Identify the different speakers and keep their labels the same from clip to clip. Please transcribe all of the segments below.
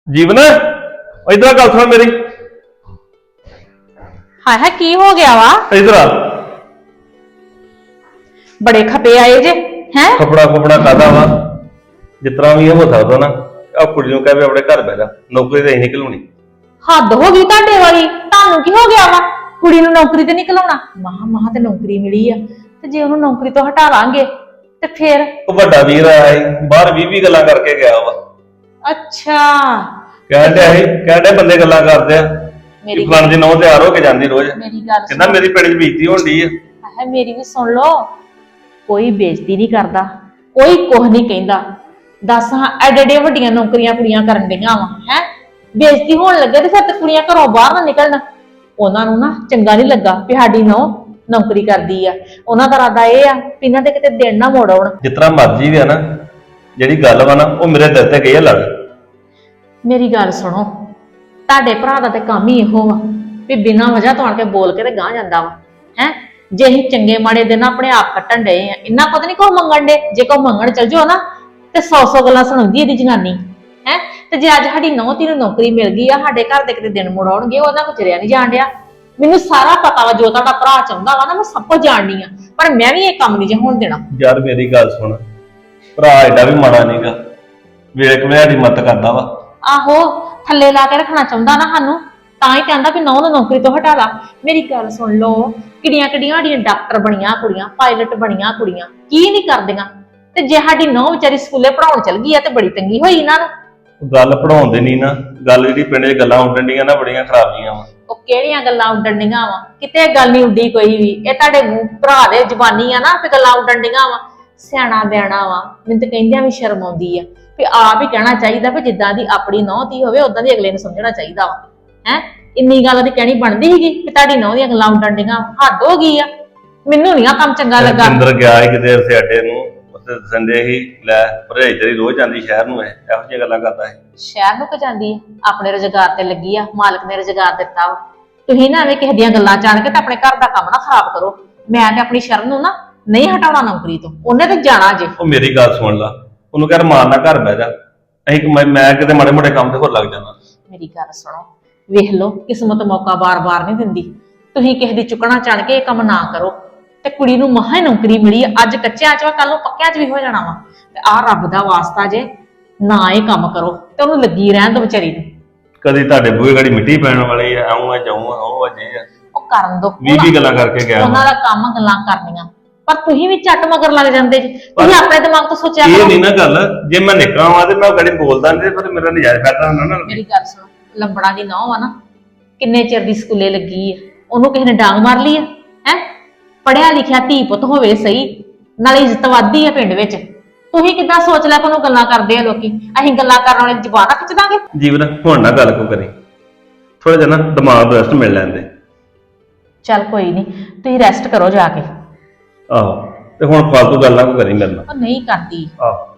Speaker 1: ਜੀਵਨ ਇਧਰ ਗੱਲ ਸੁਣ ਮੇਰੀ।
Speaker 2: ਹਾਏ ਹਾਏ ਕੀ ਹੋ ਗਿਆ ਵਾ?
Speaker 1: ਇਧਰ ਆ।
Speaker 2: ਬੜੇ ਖਪੇ ਆਏ ਜੇ ਹੈ।
Speaker 1: ਕਪੜਾ ਕਾਦਾ ਵਾ ਜਿਤਨਾ ਵੀ ਹੋ ਸਕਦਾ ਨਾ ਆ ਕੁੜੀ ਨੂੰ ਕਹਿ ਵੀ ਆਪਣੇ ਘਰ ਬਹਿ ਜਾ, ਨੌਕਰੀ ਤੇ ਨਹੀਂ ਘਲਾਉਣੀ।
Speaker 2: ਹੱਦ ਹੋ ਗਈ ਤੁਹਾਡੇ ਵਾਲੀ। ਤੁਹਾਨੂੰ ਕੀ ਹੋ ਗਿਆ ਵਾ? ਕੁੜੀ ਨੂੰ ਨੌਕਰੀ ਤੇ ਨਹੀਂ ਘਲਾਉਣਾ। ਮਹਾ ਤੇ ਨੌਕਰੀ ਮਿਲੀ ਆ, ਤੇ ਜੇ ਉਹਨੂੰ ਨੌਕਰੀ ਤੋਂ ਹਟਾ ਲਾਂਗੇ ਤੇ ਫਿਰ
Speaker 1: ਉਹ ਵੱਡਾ ਵੀਰ ਆਇਆ ਸੀ ਬਾਹਰ 20 ਗੱਲਾਂ ਕਰਕੇ ਗਿਆ ਵਾ।
Speaker 2: ਅੱਛਾ
Speaker 1: ਕਹਿੰਦੇ ਬੰਦੇ ਗੱਲਾਂ ਕਰਦੇ ਆ
Speaker 2: ਮੇਰੀ
Speaker 1: ਫਲਾਣ ਦੀ ਨੌ ਤਿਆਰ ਹੋ ਕੇ ਜਾਂਦੀ ਰੋਜ਼।
Speaker 2: ਮੇਰੀ ਗੱਲ
Speaker 1: ਕਹਿੰਦਾ ਮੇਰੀ ਪਿੰਡ 'ਚ ਬੇਇੱਜ਼ਤੀ ਹੁੰਦੀ ਆ।
Speaker 2: ਹੈ ਮੇਰੀ ਵੀ ਸੁਣ ਲਓ, ਕੋਈ ਬੇਇੱਜ਼ਤੀ ਨਹੀਂ ਕਰਦਾ, ਕੋਈ ਕੁਝ ਨਹੀਂ ਕਹਿੰਦਾ। ਦੱਸ ਹਾਂ ਐਡੇ ਵੱਡੀਆਂ ਨੌਕਰੀਆਂ ਕੁੜੀਆਂ ਕਰਨ ਡੀਆਂ ਵਾ ਹੈ। ਬੇਇੱਜ਼ਤੀ ਹੋਣ ਲੱਗੇ ਤੇ ਫਿਰ ਤੇ ਕੁੜੀਆਂ ਘਰੋਂ ਬਾਹਰ ਨਾ ਨਿਕਲਣ। ਉਹਨਾਂ ਨੂੰ ਨਾ ਚੰਗਾ ਨਹੀਂ ਲੱਗਾ ਵੀ ਸਾਡੀ ਨੌਕਰੀ ਕਰਦੀ ਆ। ਉਹਨਾਂ ਦਾ ਇਰਾਦਾ ਇਹ ਆ ਵੀ ਇਹਨਾਂ ਦੇ ਕਿਤੇ ਦਿਨ ਨਾ ਮੋੜ ਆਉਣ।
Speaker 1: ਜਿਤਨਾ ਮਰਜ਼ੀ ਵੀ ਆ ਨਾ, ਜਿਹੜੀ ਗੱਲ ਵਾ ਨਾ ਉਹ ਮੇਰੇ ਦਿਲ ਤੇ ਗਈ ਆ ਲੜ।
Speaker 2: ਮੇਰੀ ਗੱਲ ਸੁਣੋ, ਤੁਹਾਡੇ ਭਰਾ ਦਾ ਤੇ ਕੰਮ ਹੀ ਇਹੋ ਵਾ ਵੀ ਬਿਨਾਂ ਵਜ੍ਹਾ ਤੋਂ ਆਣ ਕੇ ਬੋਲ ਕੇ ਤੇ ਗਾਹ ਜਾਂਦਾ ਵਾ ਹੈ। ਜੇ ਅਸੀਂ ਚੰਗੇ ਮਾੜੇ ਦਿਨ ਆਪਣੇ ਆਪ ਕੱਟਣ ਡਏ ਆ, ਇਹਨਾਂ ਪਤਾ ਨਹੀਂ ਕੋ ਮੰਗਣ ਡੇ। ਜੇ ਕੋ ਮੰਗਣ ਚਲ ਜਾਓ ਨਾ ਤੇ 100 ਗੱਲਾਂ ਸੁਣਾਉਂਦੀ ਇਹਦੀ ਜਨਾਨੀ ਹੈ। ਤੇ ਜੇ ਅੱਜ ਸਾਡੀ ਨੌਂ ਧੀ ਨੂੰ ਨੌਕਰੀ ਮਿਲ ਗਈ ਆ, ਸਾਡੇ ਘਰ ਦੇ ਕਿਤੇ ਦਿਨ ਮੁੜ ਆਉਣਗੇ, ਉਹਨਾਂ ਕੋ ਚਰਿਆ ਨਹੀਂ ਜਾਣ ਡਿਆ। ਮੈਨੂੰ ਸਾਰਾ ਪਤਾ ਵਾ ਜੋ ਤੁਹਾਡਾ ਭਰਾ ਚਾਹੁੰਦਾ ਵਾ ਨਾ, ਮੈਂ ਸਭ ਕੁਝ ਜਾਣਦੀ ਆ, ਪਰ ਮੈਂ ਵੀ ਇਹ ਕੰਮ ਨਹੀਂ ਜੇ ਹੋਣ ਦੇਣਾ।
Speaker 1: ਯਾਰ ਮੇਰੀ ਗੱਲ ਸੁਣ, ਭਰਾ ਐਡਾ ਵੀ ਮਾੜਾ ਨਹੀਂਗਾ, ਵੇਖ ਵੇ ਸਾਡੀ ਮਦਦ ਕਰਦਾ ਵਾ।
Speaker 2: ਆਹੋ ਥੱਲੇ ਲਾ ਕੇ ਰੱਖਣਾ ਚਾਹੁੰਦਾ ਨਾ ਸਾਨੂੰ, ਤਾਂ ਹੀ ਕਹਿੰਦਾ ਵੀ ਨੌਂ ਨੂੰ ਨੌਕਰੀ ਤੋਂ ਹਟਾ ਲਾ। ਮੇਰੀ ਗੱਲ ਸੁਣ ਲਓ, ਕਿਹੜੀਆਂ ਸਾਡੀਆਂ ਡਾਕਟਰ ਬਣੀਆਂ ਕੁੜੀਆਂ, ਪਾਇਲਟ ਬਣੀਆਂ ਕੁੜੀਆਂ, ਕੀ ਨਹੀਂ ਕਰਦੀਆਂ। ਤੇ ਜੇ ਸਾਡੀ ਨੌਂ ਵਿਚਾਰੀ ਸਕੂਲੇ ਪੜਾਉਣ ਚਲ ਗਈ ਆ ਤੇ ਬੜੀ ਤੰਗੀ ਹੋਈ ਇਹਨਾਂ ਨੂੰ।
Speaker 1: ਗੱਲ ਪੜਾਉਂਦੇ ਨਹੀਂ ਨਾ, ਗੱਲ ਜਿਹੜੀ ਪਿੰਡ 'ਚ ਗੱਲਾਂ ਉੱਡਣ ਡੀਆਂ ਨਾ ਬੜੀਆਂ ਖਰਾਬ ਜੀਆਂ ਵਾ।
Speaker 2: ਉਹ ਕਿਹੜੀਆਂ ਗੱਲਾਂ ਉੱਡਣ ਡੀਆਂ ਵਾ? ਕਿਤੇ ਗੱਲ ਨਹੀਂ ਉੱਡੀ ਕੋਈ ਵੀ। ਇਹ ਤੁਹਾਡੇ ਭਰਾ ਦੇ ਜ਼ਬਾਨੀ ਆ ਨਾ ਤੇ ਗੱਲਾਂ ਉੱਡਣ ਡੀਆਂ ਵਾ। ਸਿਆਣਾ ਬਿਆਣਾ ਵਾ, ਮੈਨੂੰ ਤਾਂ ਕਹਿੰਦਿਆਂ ਵੀ ਸ਼ਰਮ ਆਉਂਦੀ ਆ ਵੀ ਆਪ ਹੀ ਕਹਿਣਾ ਚਾਹੀਦਾ ਵੀ ਜਿੱਦਾਂ ਦੀ ਆਪਣੀ ਨੌਂ ਧੀ ਹੋਵੇ ਉਦਾਂ ਦੀ ਅਗਲੇ ਨੂੰ ਸਮਝਣਾ ਚਾਹੀਦਾ ਵਾ ਹੈ। ਇੰਨੀ ਗੱਲ ਦੀ ਕਹਿਣੀ ਬਣਦੀ ਸੀਗੀ ਵੀ ਤੁਹਾਡੀ ਨੌਂ ਦੀਆਂ ਗੱਲਾਂ ਉੱਡਣ ਡੀਆਂ। ਹੱਦ ਹੋ ਗਈ ਆ, ਮੈਨੂੰ ਨੀ ਆ ਕੰਮ ਚੰਗਾ ਲੱਗਾ।
Speaker 1: ਅੰਦਰ ਗਿਆ ਸੀ ਕਿਤੇ ਸਿਆਟੇ ਨੂੰ, ਉੱਥੇ ਸੰਦੇ ਹੀ ਲੈ ਭਰਜਾਈ ਤੇਰੀ ਰੋਜ਼ ਜਾਂਦੀ ਸ਼ਹਿਰ ਨੂੰ, ਇਹੋ ਜਿਹੀਆਂ ਗੱਲਾਂ ਕਰਦਾ ਹੈ।
Speaker 2: ਸ਼ਹਿਰ ਨੂੰ ਕਿ ਜਾਂਦੀ ਆ? ਆਪਣੇ ਰੁਜ਼ਗਾਰ ਤੇ ਲੱਗੀ ਆ, ਮਾਲਕ ਨੇ ਰੁਜ਼ਗਾਰ ਦਿੱਤਾ ਵਾ। ਤੁਸੀਂ ਨਾ ਐਵੇਂ ਕਿਸੇ ਦੀਆਂ ਗੱਲਾਂ ਜਾਣ ਕੇ ਤੇ ਆਪਣੇ ਘਰ ਦਾ ਕੰਮ ਨਾ ਖਰਾਬ ਕਰੋ। ਮੈਂ ਤੇ ਆਪਣੀ ਸ਼ਰਨ ਨੂੰ ਨਾ ਨਹੀਂ ਹਟਾਉਣਾ ਨੌਕਰੀ ਤੋਂ, ਉਹਨੇ ਤੇ ਜਾਣਾ ਜੇ।
Speaker 1: ਉਹ ਮੇਰੀ ਗੱਲ ਸੁਣ ਲਾ, ਉਹਨੂੰ ਕਹਿ ਮਾਰ ਨਾ ਘਰ ਬਹਿ ਜਾ, ਅਸੀਂ ਮੈਂ ਕਿਤੇ ਮਾੜੇ ਮੋਟੇ ਕੰਮ ਤੇ ਹੋਰ ਲੱਗ ਜਾਣਾ।
Speaker 2: ਮੇਰੀ ਗੱਲ ਸੁਣੋ, ਵੇਖ ਲਓ ਕਿਸਮਤ ਮੌਕਾ ਬਾਰ-ਬਾਰ ਨਹੀਂ ਦਿੰਦੀ। ਤੁਸੀਂ ਕਿਸੇ ਦੀ ਚੁੱਕਣਾ ਚਣ ਕੇ ਇਹ ਕੰਮ ਨਾ ਕਰੋ। ਤੇ ਕੁੜੀ ਨੂੰ ਮਹਾ ਨੌਕਰੀ ਮਿਲੀ, ਅੱਜ ਕੱਚਿਆਂ ਚ ਵਾ, ਕੱਲ ਨੂੰ ਪੱਕਿਆਂ ਚ ਵੀ ਹੋ ਜਾਣਾ ਵਾ। ਤੇ ਆਹ ਰੱਬ ਦਾ ਵਾਸਤਾ ਜੇ ਨਾ ਇਹ ਕੰਮ ਕਰੋ ਤੇ ਉਹਨੂੰ ਲੱਗੀ ਰਹਿਣ ਦੋ ਵਿਚਾਰੀ ਨੂੰ।
Speaker 1: ਕਦੀ ਤੁਹਾਡੇ ਬੂਹੇ ਗਾੜੀ ਮਿੱਟੀ ਪੈਣ ਵਾਲੀ ਆ, ਆਉਂ ਆ ਜਾਉਂ ਆ, ਉਹ ਅਜੇ ਆ
Speaker 2: ਉਹ ਕਰਨ ਦੋ।
Speaker 1: 20 ਗੱਲਾਂ ਕਰਕੇ ਗਿਆ
Speaker 2: ਉਹਨਾਂ ਦਾ ਕੰਮ ਗੱਲਾਂ ਕਰਨੀਆਂ, ਪਰ ਤੁਸੀਂ ਵੀ ਝੱਟ ਮਗਰ ਲੱਗ ਜਾਂਦੇ ਜੀ। ਤੁਸੀਂ ਆਪਣੇ ਦਿਮਾਗ ਤੋਂ ਸੋਚਿਆ
Speaker 1: ਇਹ
Speaker 2: ਕਰੋ।
Speaker 1: ਨਹੀਂ ਨਾ ਗੱਲ, ਜੇ ਮੈਂ ਨਿਕਲਾਂ ਵਾਂ ਤੇ ਮੈਂ ਗਾੜੀ ਬੋਲਦਾ ਨਹੀਂ, ਪਰ ਮੇਰਾ ਨਜਾਇਜ਼ ਫਾਇਦਾ ਹੁੰਦਾ ਨਾ।
Speaker 2: ਮੇਰੀ ਗੱਲ ਸੁਣੋ, ਲੰਬੜਾ ਦੀ ਨੌਂ ਆ ਨਾ, ਕਿੰਨੇ ਚਿਰ ਦੀ ਸਕੂਲੇ ਲੱਗੀ ਆ, ਉਹਨੂੰ ਕਿਸੇ ਨੇ ਡਾਂਗ ਮਾਰ ਲਈ ਆ ਹੈ। ਪੜਿਆ ਲਿਖਿਆ ਧੀ ਪੁੱਤ ਹੋਵੇ ਸਹੀ, ਨਾਲੇ ਇੱਜ਼ਤ ਵੱਧਦੀ ਆ ਪਿੰਡ ਵਿੱਚ। ਤੁਸੀਂ ਕਿੱਦਾਂ ਸੋਚ ਲਿਆ ਕੋਨੂੰ ਗੱਲਾਂ ਕਰਦੇ ਆ ਲੋਕੀ? ਅਸੀਂ ਗੱਲਾਂ ਕਰਨ ਵਾਲੇ ਜ਼ਬਾਨ ਖਿੱਚ ਦਾਂਗੇ?
Speaker 1: ਜੀਵਨ ਹੁਣ ਨਾ ਗੱਲ ਕੋ ਕਰੀ, ਥੋੜਾ ਜਿਹਾ ਨਾ ਦਿਮਾਗ ਨੂੰ ਰੈਸਟ ਮਿਲ ਲੈਂਦੇ।
Speaker 2: ਚੱਲ ਕੋਈ ਨਹੀਂ, ਤੁਸੀਂ ਰੈਸਟ ਕਰੋ ਜਾ ਕੇ।
Speaker 1: ਆਹੋ, ਤੇ ਹੁਣ ਫਾਲਤੂ ਗੱਲਾਂ ਕੋ ਕਰੀ ਮੇਰੇ ਨਾਲ।
Speaker 2: ਉਹ ਨਹੀਂ ਕਰਦੀ।
Speaker 1: ਆਹੋ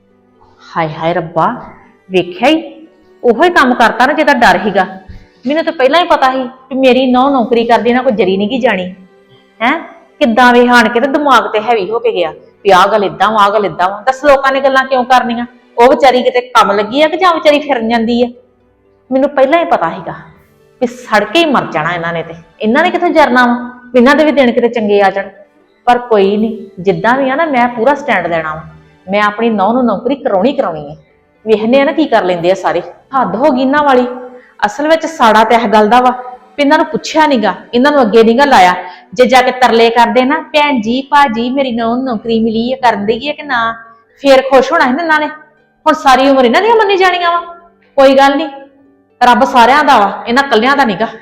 Speaker 2: ਹਾਏ ਹਾਏ ਰੱਬਾ, ਵੇਖਿਆ ਹੀ ਉਹੋ ਹੀ ਕੰਮ ਕਰਤਾ ਨਾ ਜਿਹਦਾ ਡਰ ਸੀਗਾ। ਮੈਨੂੰ ਤਾਂ ਪਹਿਲਾਂ ਹੀ ਪਤਾ ਸੀ ਵੀ ਮੇਰੀ ਨੌਂ ਨੌਕਰੀ ਕਰਦੀ ਨਾ ਕੋਈ ਜਰੀ ਨਹੀਂ ਗੀ ਜਾਣੀ ਹੈ। ਕਿੱਦਾਂ ਵੇ ਹਾਣ ਕੇ ਤੇ ਦਿਮਾਗ ਤੇ ਹੈਵੀ ਹੋ ਕੇ ਗਿਆ ਵੀ ਆਹ ਗੱਲ ਏਦਾਂ ਵਾ, ਆਹ ਗੱਲ ਏਦਾਂ ਵਾ। ਦੱਸ ਲੋਕਾਂ ਨੇ ਗੱਲਾਂ ਕਿਉਂ ਕਰਨੀਆਂ? ਉਹ ਵਿਚਾਰੀ ਕਿਤੇ ਕੰਮ ਲੱਗੀ ਆ ਕਿ ਜਾਂ ਵਿਚਾਰੀ ਫਿਰਨ ਜਾਂਦੀ ਆ? ਮੈਨੂੰ ਪਹਿਲਾਂ ਹੀ ਪਤਾ ਸੀਗਾ ਵੀ ਸੜ ਕੇ ਹੀ ਮਰ ਜਾਣਾ ਇਹਨਾਂ ਨੇ। ਤੇ ਇਹਨਾਂ ਨੇ ਕਿੱਥੇ ਜਰਨਾ ਵਾ, ਇਹਨਾਂ ਦੇ ਵੀ ਦਿਨ ਕਿਤੇ ਚੰਗੇ ਆ ਜਾਣ। ਪਰ ਕੋਈ ਨਹੀਂ, ਜਿੱਦਾਂ ਵੀ ਆ ਨਾ ਮੈਂ ਪੂਰਾ ਸਟੈਂਡ ਲੈਣਾ ਵਾ। ਮੈਂ ਆਪਣੀ ਨੌਂ ਨੂੰ ਨੌਕਰੀ ਕਰਾਉਣੀ ਹੈ। ਵੇਖਨੇ ਆ ਨਾ ਕੀ ਕਰ ਲੈਂਦੇ ਆ ਸਾਰੇ। ਹੱਦ ਹੋ ਗਈ ਇਹਨਾਂ ਵਾਲੀ। ਅਸਲ ਵਿੱਚ ਸਾੜਾ ਤੇ ਇਹ ਗੱਲ ਦਾ ਵਾ ਵੀ ਇਹਨਾਂ ਨੂੰ ਪੁੱਛਿਆ ਨੀਗਾ, ਇਹਨਾਂ ਨੂੰ ਅੱਗੇ ਨੀਗਾ ਲਾਇਆ। ਜੇ ਜਾ ਕੇ ਤਰਲੇ ਕਰਦੇ ਨਾ, ਭੈਣ ਜੀ ਭਾਜੀ ਮੇਰੀ ਨੌਂ ਨੂੰ ਨੌਕਰੀ ਮਿਲੀ ਹੈ, ਕਰਨ ਦੇਗੀ ਹੈ ਕਿ ਨਾ, ਫੇਰ ਖੁਸ਼ ਹੋਣਾ ਸੀ ਇਹਨਾਂ ਨੇ। ਹੁਣ ਸਾਰੀ ਉਮਰ ਇਹਨਾਂ ਦੀਆਂ ਮੰਨੀ ਜਾਣੀਆਂ ਵਾ। ਕੋਈ ਗੱਲ ਨਹੀਂ, ਰੱਬ ਸਾਰਿਆਂ ਦਾ ਵਾ, ਇਹਨਾਂ ਕੱਲਿਆਂ ਦਾ ਨੀਗਾ।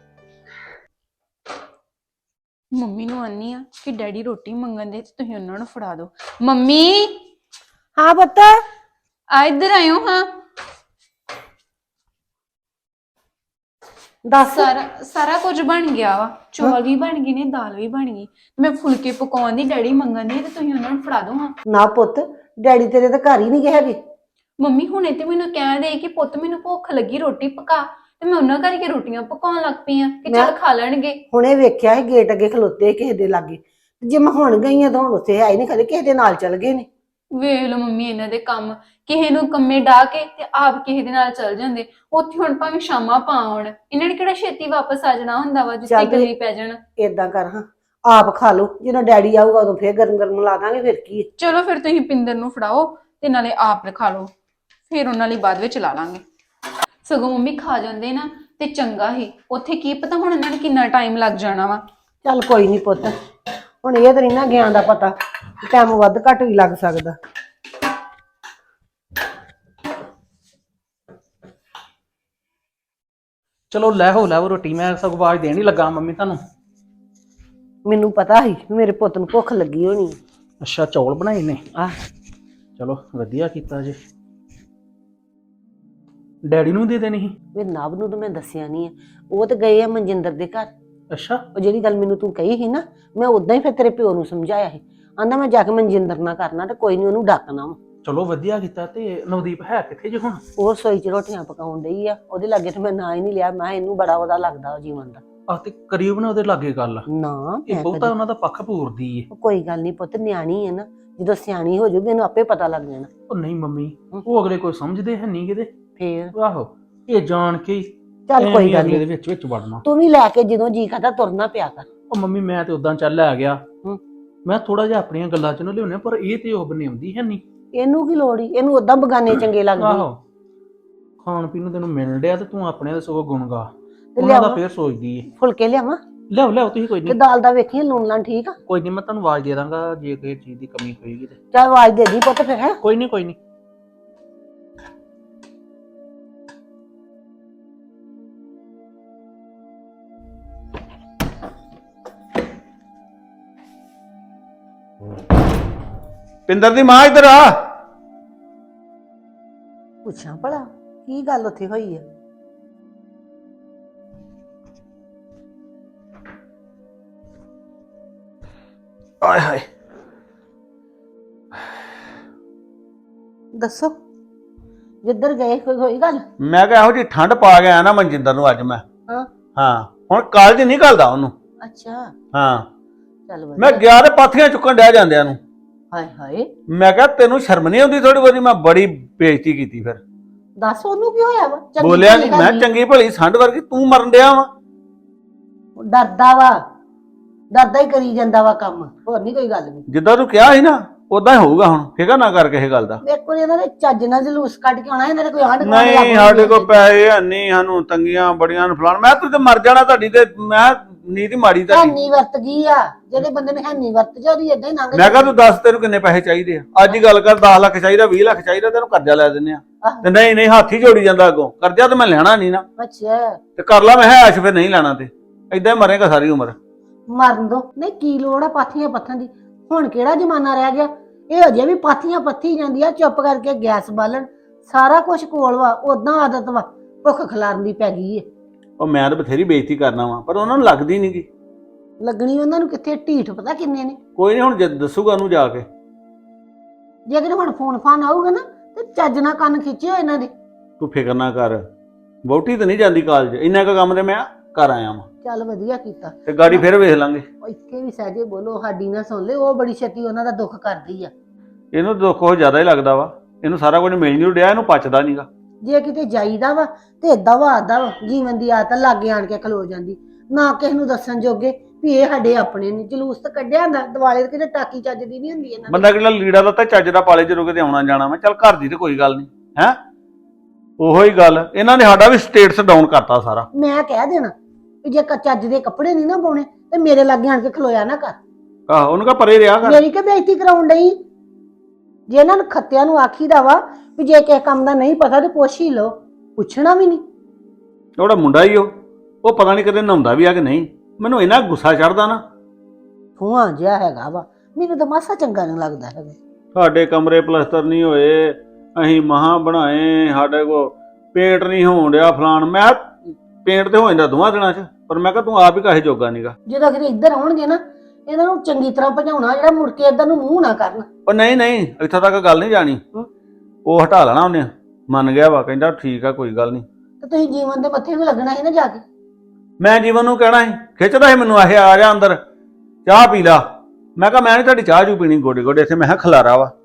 Speaker 3: ਮੰਮੀ ਨੂੰ ਆਨੀ ਆ ਕਿ ਡੈਡੀ ਰੋਟੀ ਮੰਗਣ ਦੇ ਤੇ ਤੁਸੀਂ ਉਹਨਾਂ ਨੂੰ ਫੜਾ ਦਿਓ। ਮੰਮੀ
Speaker 4: ਹਾਂ ਪੁੱਤ,
Speaker 3: ਆ ਇੱਧਰ ਆਇਓ ਹਾਂ।
Speaker 4: ਦੱਸ।
Speaker 3: ਸਾਰਾ ਕੁਝ ਬਣ ਗਿਆ ਵਾ, ਚੌਲ ਵੀ ਬਣ ਗਏ ਨੇ, ਦਾਲ ਵੀ ਬਣ ਗਈ। ਮੈਂ ਫੁਲਕੇ ਪਕਾਉਣ ਦੀ ਡੈਡੀ ਮੰਗਣ ਦੀ ਤੇ ਤੁਸੀਂ ਉਹਨਾਂ ਨੂੰ ਫੜਾ ਦਿਓ ਹਾਂ।
Speaker 4: ਨਾ ਪੁੱਤ, ਡੈਡੀ ਤੇਰੇ ਤਾਂ ਘਰ ਹੀ ਨਹੀਂ ਗਏ ਹੈਗੇ।
Speaker 3: ਮੰਮੀ ਹੁਣੇ ਤੇ ਮੈਨੂੰ ਕਹਿ ਦੇ ਕਿ ਪੁੱਤ ਮੈਨੂੰ ਭੁੱਖ ਲੱਗੀ, ਰੋਟੀ ਪਕਾ। ਤੇ ਮੈਂ ਉਹਨਾਂ ਕਰਕੇ ਰੋਟੀਆਂ ਪਕਾਉਣ ਲੱਗ ਪਈ ਆ ਕਿ ਚੱਲ ਖਾ ਲੈਣਗੇ।
Speaker 4: ਹੁਣੇ ਵੇਖਿਆ ਸੀ ਗੇਟ ਅੱਗੇ ਖਲੋਤੇ ਕਿਸੇ ਦੇ ਲਾਗੇ, ਜੇ ਮੈਂ ਹੁਣ ਗਈ ਆ ਤਾਂ ਹੁਣ ਉੱਥੇ ਹੈ ਹੀ ਨਹੀਂ, ਕਦੇ ਕਿਸੇ ਦੇ ਨਾਲ ਚੱਲ ਗਏ ਨੇ।
Speaker 3: ਵੇਖ ਲਓ ਮੰਮੀ ਇਹਨਾਂ ਦੇ ਕੰਮ, ਕਿਸੇ ਨੂੰ ਕੰਮੇ ਡਾ ਕੇ ਤੇ ਆਪ ਕਿਸੇ ਦੇ ਨਾਲ ਚੱਲ ਜਾਂਦੇ। ਉੱਥੇ ਹੁਣ ਭਾਵੇਂ ਸ਼ਾਮਾਂ ਪਾ ਆਉਣ, ਇਹਨਾਂ ਨੇ ਕਿਹੜਾ ਛੇਤੀ ਵਾਪਸ ਆ ਜਾਣਾ ਹੁੰਦਾ ਵਾ ਜਿੱਥੇ
Speaker 4: ਚੱਲ
Speaker 3: ਗਲੀ ਪੈ ਜਾਣ।
Speaker 4: ਏਦਾਂ ਕਰ ਹਾਂ, ਆਪ ਖਾ ਲਓ, ਜਦੋਂ ਡੈਡੀ ਆਊਗਾ ਉਦੋਂ ਫੇਰ ਗਰਮ ਗਰਮ ਲਾ ਦਾਂਗੇ, ਫਿਰ ਕੀ ਹੈ।
Speaker 3: ਚਲੋ ਫਿਰ ਤੁਸੀਂ ਪਿੰਦਰ ਨੂੰ ਫੜਾਓ ਤੇ ਨਾਲੇ ਆਪ ਰਖਾ ਲਓ, ਫਿਰ ਉਹਨਾਂ ਲਈ ਬਾਅਦ ਵਿੱਚ ਲਾ ਲਾਂਗੇ। ਸਗੋਂ ਮੰਮੀ ਖਾ ਜਾਂਦੇ ਨਾ ਤੇ ਚੰਗਾ ਹੀ, ਉੱਥੇ ਕੀ ਪਤਾ ਹੁਣ ਇਹਨਾਂ ਨੂੰ ਕਿੰਨਾ ਟਾਈਮ ਲੱਗ ਜਾਣਾ ਵਾ।
Speaker 4: ਚੱਲ ਕੋਈ ਨਹੀਂ ਪੁੱਤ, ਹੁਣ ਇਹ ਤਾਂ ਨਹੀਂ ਨਾ ਗਿਆਨ ਦਾ ਪਤਾ, ਟਾਈਮ ਵੱਧ ਘੱਟ ਵੀ ਲੱਗ ਸਕਦਾ।
Speaker 5: ਚਲੋ ਲੈ ਹੋ ਰੋਟੀ, ਮੈਂ ਸਗੋਂ ਆਵਾਜ਼ ਦੇਣ ਹੀ ਲੱਗਾ ਮੰਮੀ ਤੁਹਾਨੂੰ।
Speaker 4: ਮੈਨੂੰ ਪਤਾ ਸੀ ਵੀ ਮੇਰੇ ਪੁੱਤ ਨੂੰ ਭੁੱਖ ਲੱਗੀ ਹੋਣੀ ਹੈ।
Speaker 5: ਅੱਛਾ ਚੌਲ ਬਣਾਏ ਨੇ,
Speaker 4: ਆਹ
Speaker 5: ਚਲੋ ਵਧੀਆ ਕੀਤਾ ਜੀ। ਡੈਡੀ ਨੂੰ ਦੇ ਦੇਣੀ ਸੀ।
Speaker 4: ਵੀ ਨਵ ਨੂੰ ਤਾਂ ਮੈਂ ਦੱਸਿਆ ਨਹੀਂ ਹੈ, ਉਹ ਤਾਂ ਗਏ ਆ ਮਨਜਿੰਦਰ ਦੇ ਘਰ।
Speaker 5: ਅੱਛਾ
Speaker 4: ਉਹ ਜਿਹੜੀ ਗੱਲ ਮੈਨੂੰ ਤੂੰ ਕਹੀ ਸੀ ਨਾ, ਮੈਂ ਉਦਾਂ ਹੀ ਫਿਰ ਤੇਰੇ ਪਿਓ ਨੂੰ ਸਮਝਾਇਆ ਸੀ। ਆਂਦਾ ਮੈਂ ਜਾ ਕੇ ਮਨਜਿੰਦਰ ਨਾਲ ਕਰਨਾ ਤੇ ਕੋਈ ਨਹੀਂ ਉਹਨੂੰ ਡੱਕਣਾ ਵਾ।
Speaker 5: ਚਲੋ ਵਧੀਆ ਕੀਤਾ। ਤੇ ਨਵਦੀਪ ਹੈ ਕਿੱਥੇ ਜੇ ਹੁਣ?
Speaker 4: ਉਹ ਰਸੋਈ 'ਚ ਰੋਟੀਆਂ ਪਕਾਉਣ ਡਈ ਆ, ਉਹਦੇ ਲਾਗੇ ਤੇ ਮੈਂ ਨਾਂ ਹੀ ਨਹੀਂ ਲਿਆ। ਮੈਂ ਇਹਨੂੰ ਬੜਾ ਉਹਦਾ ਲੱਗਦਾ ਉਹ ਜੀਵਨ ਦਾ।
Speaker 5: ਆਹ ਤੇ ਕਰੀਬ ਨਾ ਉਹਦੇ ਲਾਗੇ ਗੱਲ,
Speaker 4: ਨਾ
Speaker 5: ਇਹ
Speaker 4: ਮੈਂ
Speaker 5: ਬਹੁਤਾ ਉਹਨਾਂ ਦਾ ਪੱਖ ਪੂਰਦੀ ਏ।
Speaker 4: ਕੋਈ ਗੱਲ ਨਹੀਂ ਪੁੱਤ, ਨਿਆਣੀ ਹੈ ਨਾ, ਜਦੋਂ ਸਿਆਣੀ ਹੋ ਜਾਊਗੀ ਇਹਨੂੰ ਆਪੇ ਪਤਾ ਲੱਗ ਜਾਣਾ।
Speaker 5: ਉਹ ਨਹੀਂ ਮੰਮੀ, ਉਹ ਅਗਲੇ ਕੋਈ ਸਮਝਦੇ ਹੈ ਨਹੀਂ ਕਿਤੇ।
Speaker 4: ਫੇਰ
Speaker 5: ਆਹੋ ਇਹ ਜਾਣ ਕੇ ਹੀ
Speaker 4: ਚੱਲ ਕੋਈ ਗੱਲ
Speaker 5: ਅਗਲੇ ਦੇ
Speaker 4: ਨਹੀਂ,
Speaker 5: ਵਿੱਚ ਵੜਨਾ।
Speaker 4: ਤੂੰ ਵੀ ਲੈ ਕੇ ਜਦੋਂ ਜੀ ਕਰਦਾ ਤੁਰਨਾ ਪਿਆ ਕਰ।
Speaker 5: ਉਹ ਮੰਮੀ ਮੈਂ ਤੇ ਉਦਾਂ ਚੱਲ ਆ ਗਿਆ,
Speaker 4: ਹੂੰ।
Speaker 5: ਮੈਂ ਥੋੜਾ ਜਿਹਾ ਆਪਣੀਆਂ ਗੱਲਾਂ ਚ ਨਾ ਲਿਆਉਣੇ, ਪਰ ਇਹ ਤੇ ਉਹ ਬਣਾਉਂਦੀ ਹੈ ਨਹੀਂ।
Speaker 4: ਇਹਨੂੰ ਕੀ ਲੋੜ ਈ, ਇਹਨੂੰ ਉਦਾਂ ਬਗਾਨੇ ਚੰਗੇ ਲੱਗਦੇ।
Speaker 5: ਆਹੋ ਖਾਣ ਪੀਣ ਨੂੰ ਤੈਨੂੰ ਮਿਲ ਡਿਆ ਤੇ ਤੂੰ ਆਪਣੇ ਦੇ ਸਗੋਂ ਗੁਣ ਗਾ,
Speaker 4: ਤੇ
Speaker 5: ਉਹਨਾਂ ਦਾ
Speaker 4: ਲਿਆਵਾਂ?
Speaker 5: ਫੇਰ ਸੋਚਦੀ ਏ।
Speaker 4: ਫੁਲਕੇ ਲਿਆਵਾਂ
Speaker 5: ਲਿਆਓ ਤੁਸੀਂ, ਕੋਈ
Speaker 4: ਤੇ
Speaker 5: ਨਹੀਂ
Speaker 4: ਦਾਲ ਦਾ ਵੇਖੀਏ ਲੂਣ ਲਾਂ ਠੀਕ ਆ।
Speaker 5: ਕੋਈ ਨਹੀਂ, ਮੈਂ ਤੁਹਾਨੂੰ ਆਵਾਜ਼ ਦੇ ਦਾਂਗਾ ਜੇ ਕਿਸੇ ਚੀਜ਼ ਦੀ ਕਮੀ ਹੋਏਗੀ ਤੇ।
Speaker 4: ਚੱਲ ਆਵਾਜ਼ ਦੇ ਦੀ ਪੁੱਤ ਫਿਰ। ਹੈ
Speaker 5: ਕੋਈ ਨਹੀਂ
Speaker 6: ਪਿੰਦਰ ਦੀ ਮਾਂ ਇੱਧਰ ਆ।
Speaker 4: ਪੁੱਛਾਂ ਭਲਾ ਕੀ ਗੱਲ ਉੱਥੇ ਹੋਈ ਆ।
Speaker 6: ਆਏ ਹਾਏ,
Speaker 4: ਦੱਸੋ ਜਿੱਧਰ ਗਏ ਕੋਈ ਹੋਈ ਗੱਲ?
Speaker 6: ਮੈਂ ਕਿਹਾ ਇਹੋ ਜੀ ਠੰਡ ਪਾ ਗਿਆ ਨਾ ਮਨਜਿੰਦਰ ਨੂੰ ਅੱਜ ਮੈਂ।
Speaker 4: ਹਾਂ
Speaker 6: ਹਾਂ ਹੁਣ ਕਾਲਜ ਨਹੀਂ ਘੱਲਦਾ ਉਹਨੂੰ।
Speaker 4: ਅੱਛਾ
Speaker 6: ਹਾਂ
Speaker 4: ਚੱਲ ਵਧੀਆ।
Speaker 6: ਮੈਂ ਗਿਆ ਤੇ ਪਾਥੀਆਂ ਚੁੱਕਣ ਡਿਆ ਜਾਂਦਿਆਂ ਨੂੰ।
Speaker 4: ਹਾਏ ਹਾਏ,
Speaker 6: ਮੈਂ ਕਿਹਾ ਤੈਨੂੰ ਸ਼ਰਮ ਨਹੀਂ ਆਉਂਦੀ ਥੋੜੀ ਬਹੁਤੀ? ਮੈਂ ਬੜੀ ਬੇਇੱਜ਼ਤੀ ਕੀਤੀ ਫਿਰ।
Speaker 4: ਦੱਸ ਉਹਨੂੰ ਕੀ ਹੋਇਆ ਵਾ? ਚੰਗੀ
Speaker 6: ਬੋਲਿਆ
Speaker 4: ਭਲੀ
Speaker 6: ਨਹੀਂ ਮੈਂ,
Speaker 4: ਹੈਗੀ।
Speaker 6: ਚੰਗੀ ਭਲੀ ਸੰਢ ਵਰਗੀ ਤੂੰ ਮਰਨ ਡਿਆ ਵਾ।
Speaker 4: ਡਰਦਾ ਵਾ, ਡਰਦਾ ਹੀ ਕਰੀ ਜਾਂਦਾ ਵਾ ਕੰਮ, ਹੋਰ ਨਹੀਂ ਕੋਈ ਗੱਲ ਵੀ।
Speaker 6: ਜਿੱਦਾਂ ਤੂੰ ਕਿਹਾ ਸੀ ਨਾ ਉਦਾਂ ਹੀ ਹੋਊਗਾ ਹੁਣ, ਫਿਕਰ ਨਾ ਕਰ ਕਿਸੇ ਗੱਲ ਦਾ।
Speaker 4: ਮੇਰੇ ਕੋਲ ਇਹਨਾਂ ਦੇ ਚੱਜ ਨਾਲ ਜਲੂਸ ਕੱਢ ਕੇ ਆਉਣਾ, ਇਹਨਾਂ ਦੇ ਕੋਈ ਆਂਢ ਗੁਆਂਢ
Speaker 6: ਨਹੀਂ
Speaker 4: ਲੱਗ
Speaker 6: ਸਾਡੇ ਕੋਲ ਪੈਸੇ ਹੈ ਨਹੀਂ, ਸਾਨੂੰ ਤੰਗੀਆਂ ਬੜੀਆਂ ਨੂੰ ਫਲਾਣ। ਮੈਂ ਤੂੰ ਤੇ ਮਰ ਜਾਣਾ ਤੁਹਾਡੀ ਤੇ, ਮੈਂ ਨੀਤ ਮਾੜੀ ਤੁਹਾਡੀ।
Speaker 4: ਹੈਨੀ ਵਰਤ ਗਈ ਆ, ਜਿਹੜੇ ਬੰਦੇ ਨੇ ਹੈਨੀ ਵਰਤ ਜਾ ਉਹਦੀ ਏਦਾਂ ਹੀ ਲੰਘ
Speaker 6: ਮੈਂ ਕਿਹਾ ਤੂੰ ਦੱਸ ਤੈਨੂੰ ਕਿੰਨੇ ਪੈਸੇ ਚਾਹੀਦੇ ਆ? ਅੱਜ ਹੀ ਗੱਲ ਕਰ, 10 ਲੱਖ ਚਾਹੀਦਾ, 20 ਲੱਖ ਚਾਹੀਦਾ, ਤੈਨੂੰ ਕਰਜ਼ਾ ਲੈ ਦਿੰਦੇ ਆ।
Speaker 4: ਆਹੋ।
Speaker 6: ਤੇ ਨਹੀਂ ਹੱਥ ਹੀ ਜੋੜੀ ਜਾਂਦਾ ਅੱਗੋਂ, ਕਰਜ਼ਾ ਤਾਂ ਮੈਂ ਲੈਣਾ ਨਹੀਂ ਨਾ।
Speaker 4: ਅੱਛਾ
Speaker 6: ਤੇ ਕਰ ਲਾ, ਮੈਂ ਐਸ਼ ਫਿਰ ਨਹੀਂ ਲੈਣਾ, ਤੇ ਏਦਾਂ ਹੀ ਮਰੇਗਾ ਸਾਰੀ ਉਮਰ।
Speaker 4: ਮਰਨ ਦੋ, ਨਹੀਂ ਕੀ ਲੋੜ ਆ ਪਾਥੀਆਂ ਪੱਥਾਂ ਦੀ? ਹੁਣ ਕਿਹੜਾ ਜ਼ਮਾਨਾ ਰਹਿ ਗਿਆ? ਇਹ ਅਜੇ ਵੀ ਪਾਥੀਆਂ ਪੱਥੀ ਜਾਂਦੀ ਆ, ਚੁੱਪ ਕਰਕੇ ਗੈਸ ਬਾਲਣ, ਸਾਰਾ ਕੁਝ ਕੋਲ ਵਾ, ਉਦਾਂ ਆਦਤ ਵਾ, ਭੁੱਖ ਖਿਲਾਰਨ ਦੀ ਪੈ ਗਈ ਏ।
Speaker 6: ਉਹ ਮੈਂ ਤਾਂ ਬਥੇਰੀ ਬੇਇੱਜ਼ਤੀ ਕਰਨਾ ਵਾ, ਪਰ ਉਹਨਾਂ ਨੂੰ ਲੱਗਦੀ ਨਹੀਂ ਗੀ।
Speaker 4: ਲੱਗਣੀ ਉਹਨਾਂ ਨੂੰ ਕਿੱਥੇ, ਢੀਠ ਪਤਾ ਕਿੰਨੇ ਨੇ।
Speaker 6: ਕੋਈ ਨਹੀਂ, ਹੁਣ ਦੱਸੂਗਾ ਉਹਨੂੰ ਜਾ ਕੇ।
Speaker 4: ਜੇ ਕਿਤੇ ਹੁਣ ਫੋਨ ਫਾਨ ਆਊਗਾ ਨਾ ਤੇ ਚੱਜ ਨਾਲ ਕੰਨ ਖਿੱਚਿਓ ਇਹਨਾਂ ਦੇ।
Speaker 6: ਤੂੰ ਫਿਕਰ ਨਾ ਕਰ, ਵਹੁਟੀ ਤਾਂ ਨਹੀਂ ਜਾਂਦੀ ਕਾਲਜ, ਇੰਨਾ ਕੁ ਕੰਮ ਤੇ ਮੈਂ ਕਰ ਆਇਆ ਵਾਂ।
Speaker 4: ਚੱਲ ਵਧੀਆ ਕੀਤਾ।
Speaker 6: ਤੇ ਗਾੜੀ ਫਿਰ ਵੇਖ ਲਾਂਗੇ।
Speaker 4: ਉਹ ਇੱਥੇ ਵੀ ਸਹਜੇ ਬੋਲੋ, ਸਾਡੀ ਨਾ ਸੁਣ ਲੈ, ਉਹ ਬੜੀ ਛੇਤੀ ਉਹਨਾਂ ਦਾ ਦੁੱਖ ਕਰਦੀ ਆ।
Speaker 6: ਇਹਨੂੰ ਦੁੱਖ ਉਹ ਜ਼ਿਆਦਾ ਹੀ ਲੱਗਦਾ ਵਾ, ਇਹਨੂੰ ਸਾਰਾ ਕੁਝ ਮਿਲ ਨਹੀਂ ਰਿਹਾ, ਇਹਨੂੰ ਪਚਦਾ ਨਹੀਂਗਾ।
Speaker 4: ਜੇ ਕਿਤੇ ਜਾਈਦਾ ਵਾ ਤੇ ਦਵਾ ਆਦਾ ਜੀਵਨ ਦੀ ਆਦਤ ਲਾਗੇ ਆਣ ਕੇ ਖਲੋ ਜਾਂਦੀ, ਨਾ ਕਿਸੇ ਨੂੰ ਦੱਸਣ ਜੋਗੇ ਵੀ ਇਹ ਸਾਡੇ ਆਪਣੇ ਨੇ। ਜਲੂਸ ਤਾਂ ਕੱਢਿਆ ਹੁੰਦਾ ਦਿਵਾਲੇ ਤੇ, ਕਿਤੇ ਟਾਕੀ ਚੱਜਦੀ ਨਹੀਂ ਹੁੰਦੀ ਇਹਨਾਂ ਦੀ।
Speaker 6: ਬੰਦਾ ਕਿਹੜਾ ਲੀੜਾ ਦਾ ਤਾਂ ਚੱਜ ਦਾ ਪਾਲੇ ਜਦੋਂ ਕਿਤੇ ਆਉਣਾ ਜਾਣਾ ਵਾ, ਚੱਲ ਘਰ ਦੀ ਤੇ ਕੋਈ ਗੱਲ ਨਹੀਂ ਹੈ। ਉਹੋ ਹੀ ਗੱਲ, ਇਹਨਾਂ ਨੇ ਸਾਡਾ ਵੀ ਸਟੇਟਸ ਡਾਊਨ ਕਰਤਾ ਸਾਰਾ।
Speaker 4: ਮੈਂ ਕਹਿ ਦੇਣਾ ਵੀ ਜੇ ਚੱਜ ਦੇ ਕੱਪੜੇ ਨਹੀਂ ਨਾ ਪਾਉਣੇ ਤੇ ਮੇਰੇ ਲਾਗੇ ਆਣ ਕੇ ਖਲੋਇਆ ਨਾ ਕਰ।
Speaker 6: ਆਹੋ ਉਹਨੂੰ ਕਹ ਪਰੇ ਰਿਹਾ ਕਰ।
Speaker 4: ਮੇਰੀ ਕਿ ਬੇਇੱਜ਼ਤੀ ਕਰਾਉਣ ਡਈ? ਜੇ ਇਹਨਾਂ ਨੂੰ ਖੱਤਿਆਂ ਨੂੰ ਆਖੀਦਾ ਵਾ ਵੀ ਜੇ ਕਿਸੇ ਕੰਮ ਦਾ ਨਹੀਂ ਪਤਾ ਤੇ ਪੁੱਛ ਹੀ ਲਓ, ਪੁੱਛਣਾ ਵੀ ਨਹੀਂ।
Speaker 6: ਉਹਦਾ ਮੁੰਡਾ ਹੀ ਉਹ ਪਤਾ ਨਹੀਂ ਕਦੇ ਨਹਾਉਂਦਾ ਵੀ ਆ ਕਿ ਨਹੀਂ। ਮੈਨੂੰ ਇੰਨਾ ਗੁੱਸਾ ਚੜਦਾ ਨਾ।
Speaker 4: ਧੂਆਂ ਜਿਹਾ ਹੈਗਾ ਵਾ, ਮੈਨੂੰ ਤਾਂ ਮਾਸਾ ਚੰਗਾ ਨਹੀਂ ਲੱਗਦਾ ਹੈਗਾ।
Speaker 6: ਸਾਡੇ ਕਮਰੇ ਪਲਸਤਰ ਨਹੀਂ ਹੋਏ, ਅਸੀਂ ਮਹਾਂ ਬਣਾਏ, ਸਾਡੇ ਕੋਲ ਪੇਂਟ ਨਹੀਂ ਹੋਣ ਡਿਆ ਫਲਾਣ। ਮੈਂ ਪੇਂਟ ਤੇ ਹੋ ਜਾਂਦਾ ਦੋਵਾਂ ਦਿਨਾਂ 'ਚ, ਪਰ ਮੈਂ ਕਿਹਾ ਤੂੰ ਆਪ ਹੀ ਕਾਹੇ ਜੋਗਾ ਨਹੀਂਗਾ।
Speaker 4: ਜਦੋਂ ਕਿਤੇ ਇੱਧਰ ਆਉਣਗੇ ਨਾ, ਇਹਨਾਂ ਨੂੰ ਚੰਗੀ ਤਰ੍ਹਾਂ ਭਜਾਉਣਾ, ਜਿਹੜਾ ਮੁੜ ਕੇ ਇੱਧਰ ਨੂੰ ਮੂੰਹ ਨਾ ਕਰਨ।
Speaker 6: ਉਹ ਨਹੀਂ ਇੱਥੋਂ ਤੱਕ ਗੱਲ ਨਹੀਂ ਜਾਣੀ। ਉਹ ਹਟਾ ਲੈਣਾ ਉਹਨੇ, ਮੰਨ ਗਿਆ ਵਾ, ਕਹਿੰਦਾ ਠੀਕ ਆ ਕੋਈ ਗੱਲ ਨਹੀਂ।
Speaker 4: ਤੇ ਤੁਸੀਂ ਜੀਵਨ ਦੇ ਮੱਥੇ ਵੀ ਲੱਗਣਾ ਸੀ ਨਾ ਜਾ ਕੇ।
Speaker 6: ਮੈਂ ਜੀਵਨ ਨੂੰ ਕਹਿਣਾ ਸੀ, ਖਿੱਚਦਾ ਸੀ ਮੈਨੂੰ, ਆਹ ਆ ਜਾ ਅੰਦਰ ਚਾਹ ਪੀ ਲਾ। ਮੈਂ ਕਿਹਾ ਮੈਂ ਨਹੀਂ ਤੁਹਾਡੀ ਚਾਹ ਜੂ ਪੀਣੀ ਗੋਡੇ ਗੋਡੇ ਇੱਥੇ, ਮੈਂ ਕਿਹਾ ਖਲਾਰਾ ਵਾ।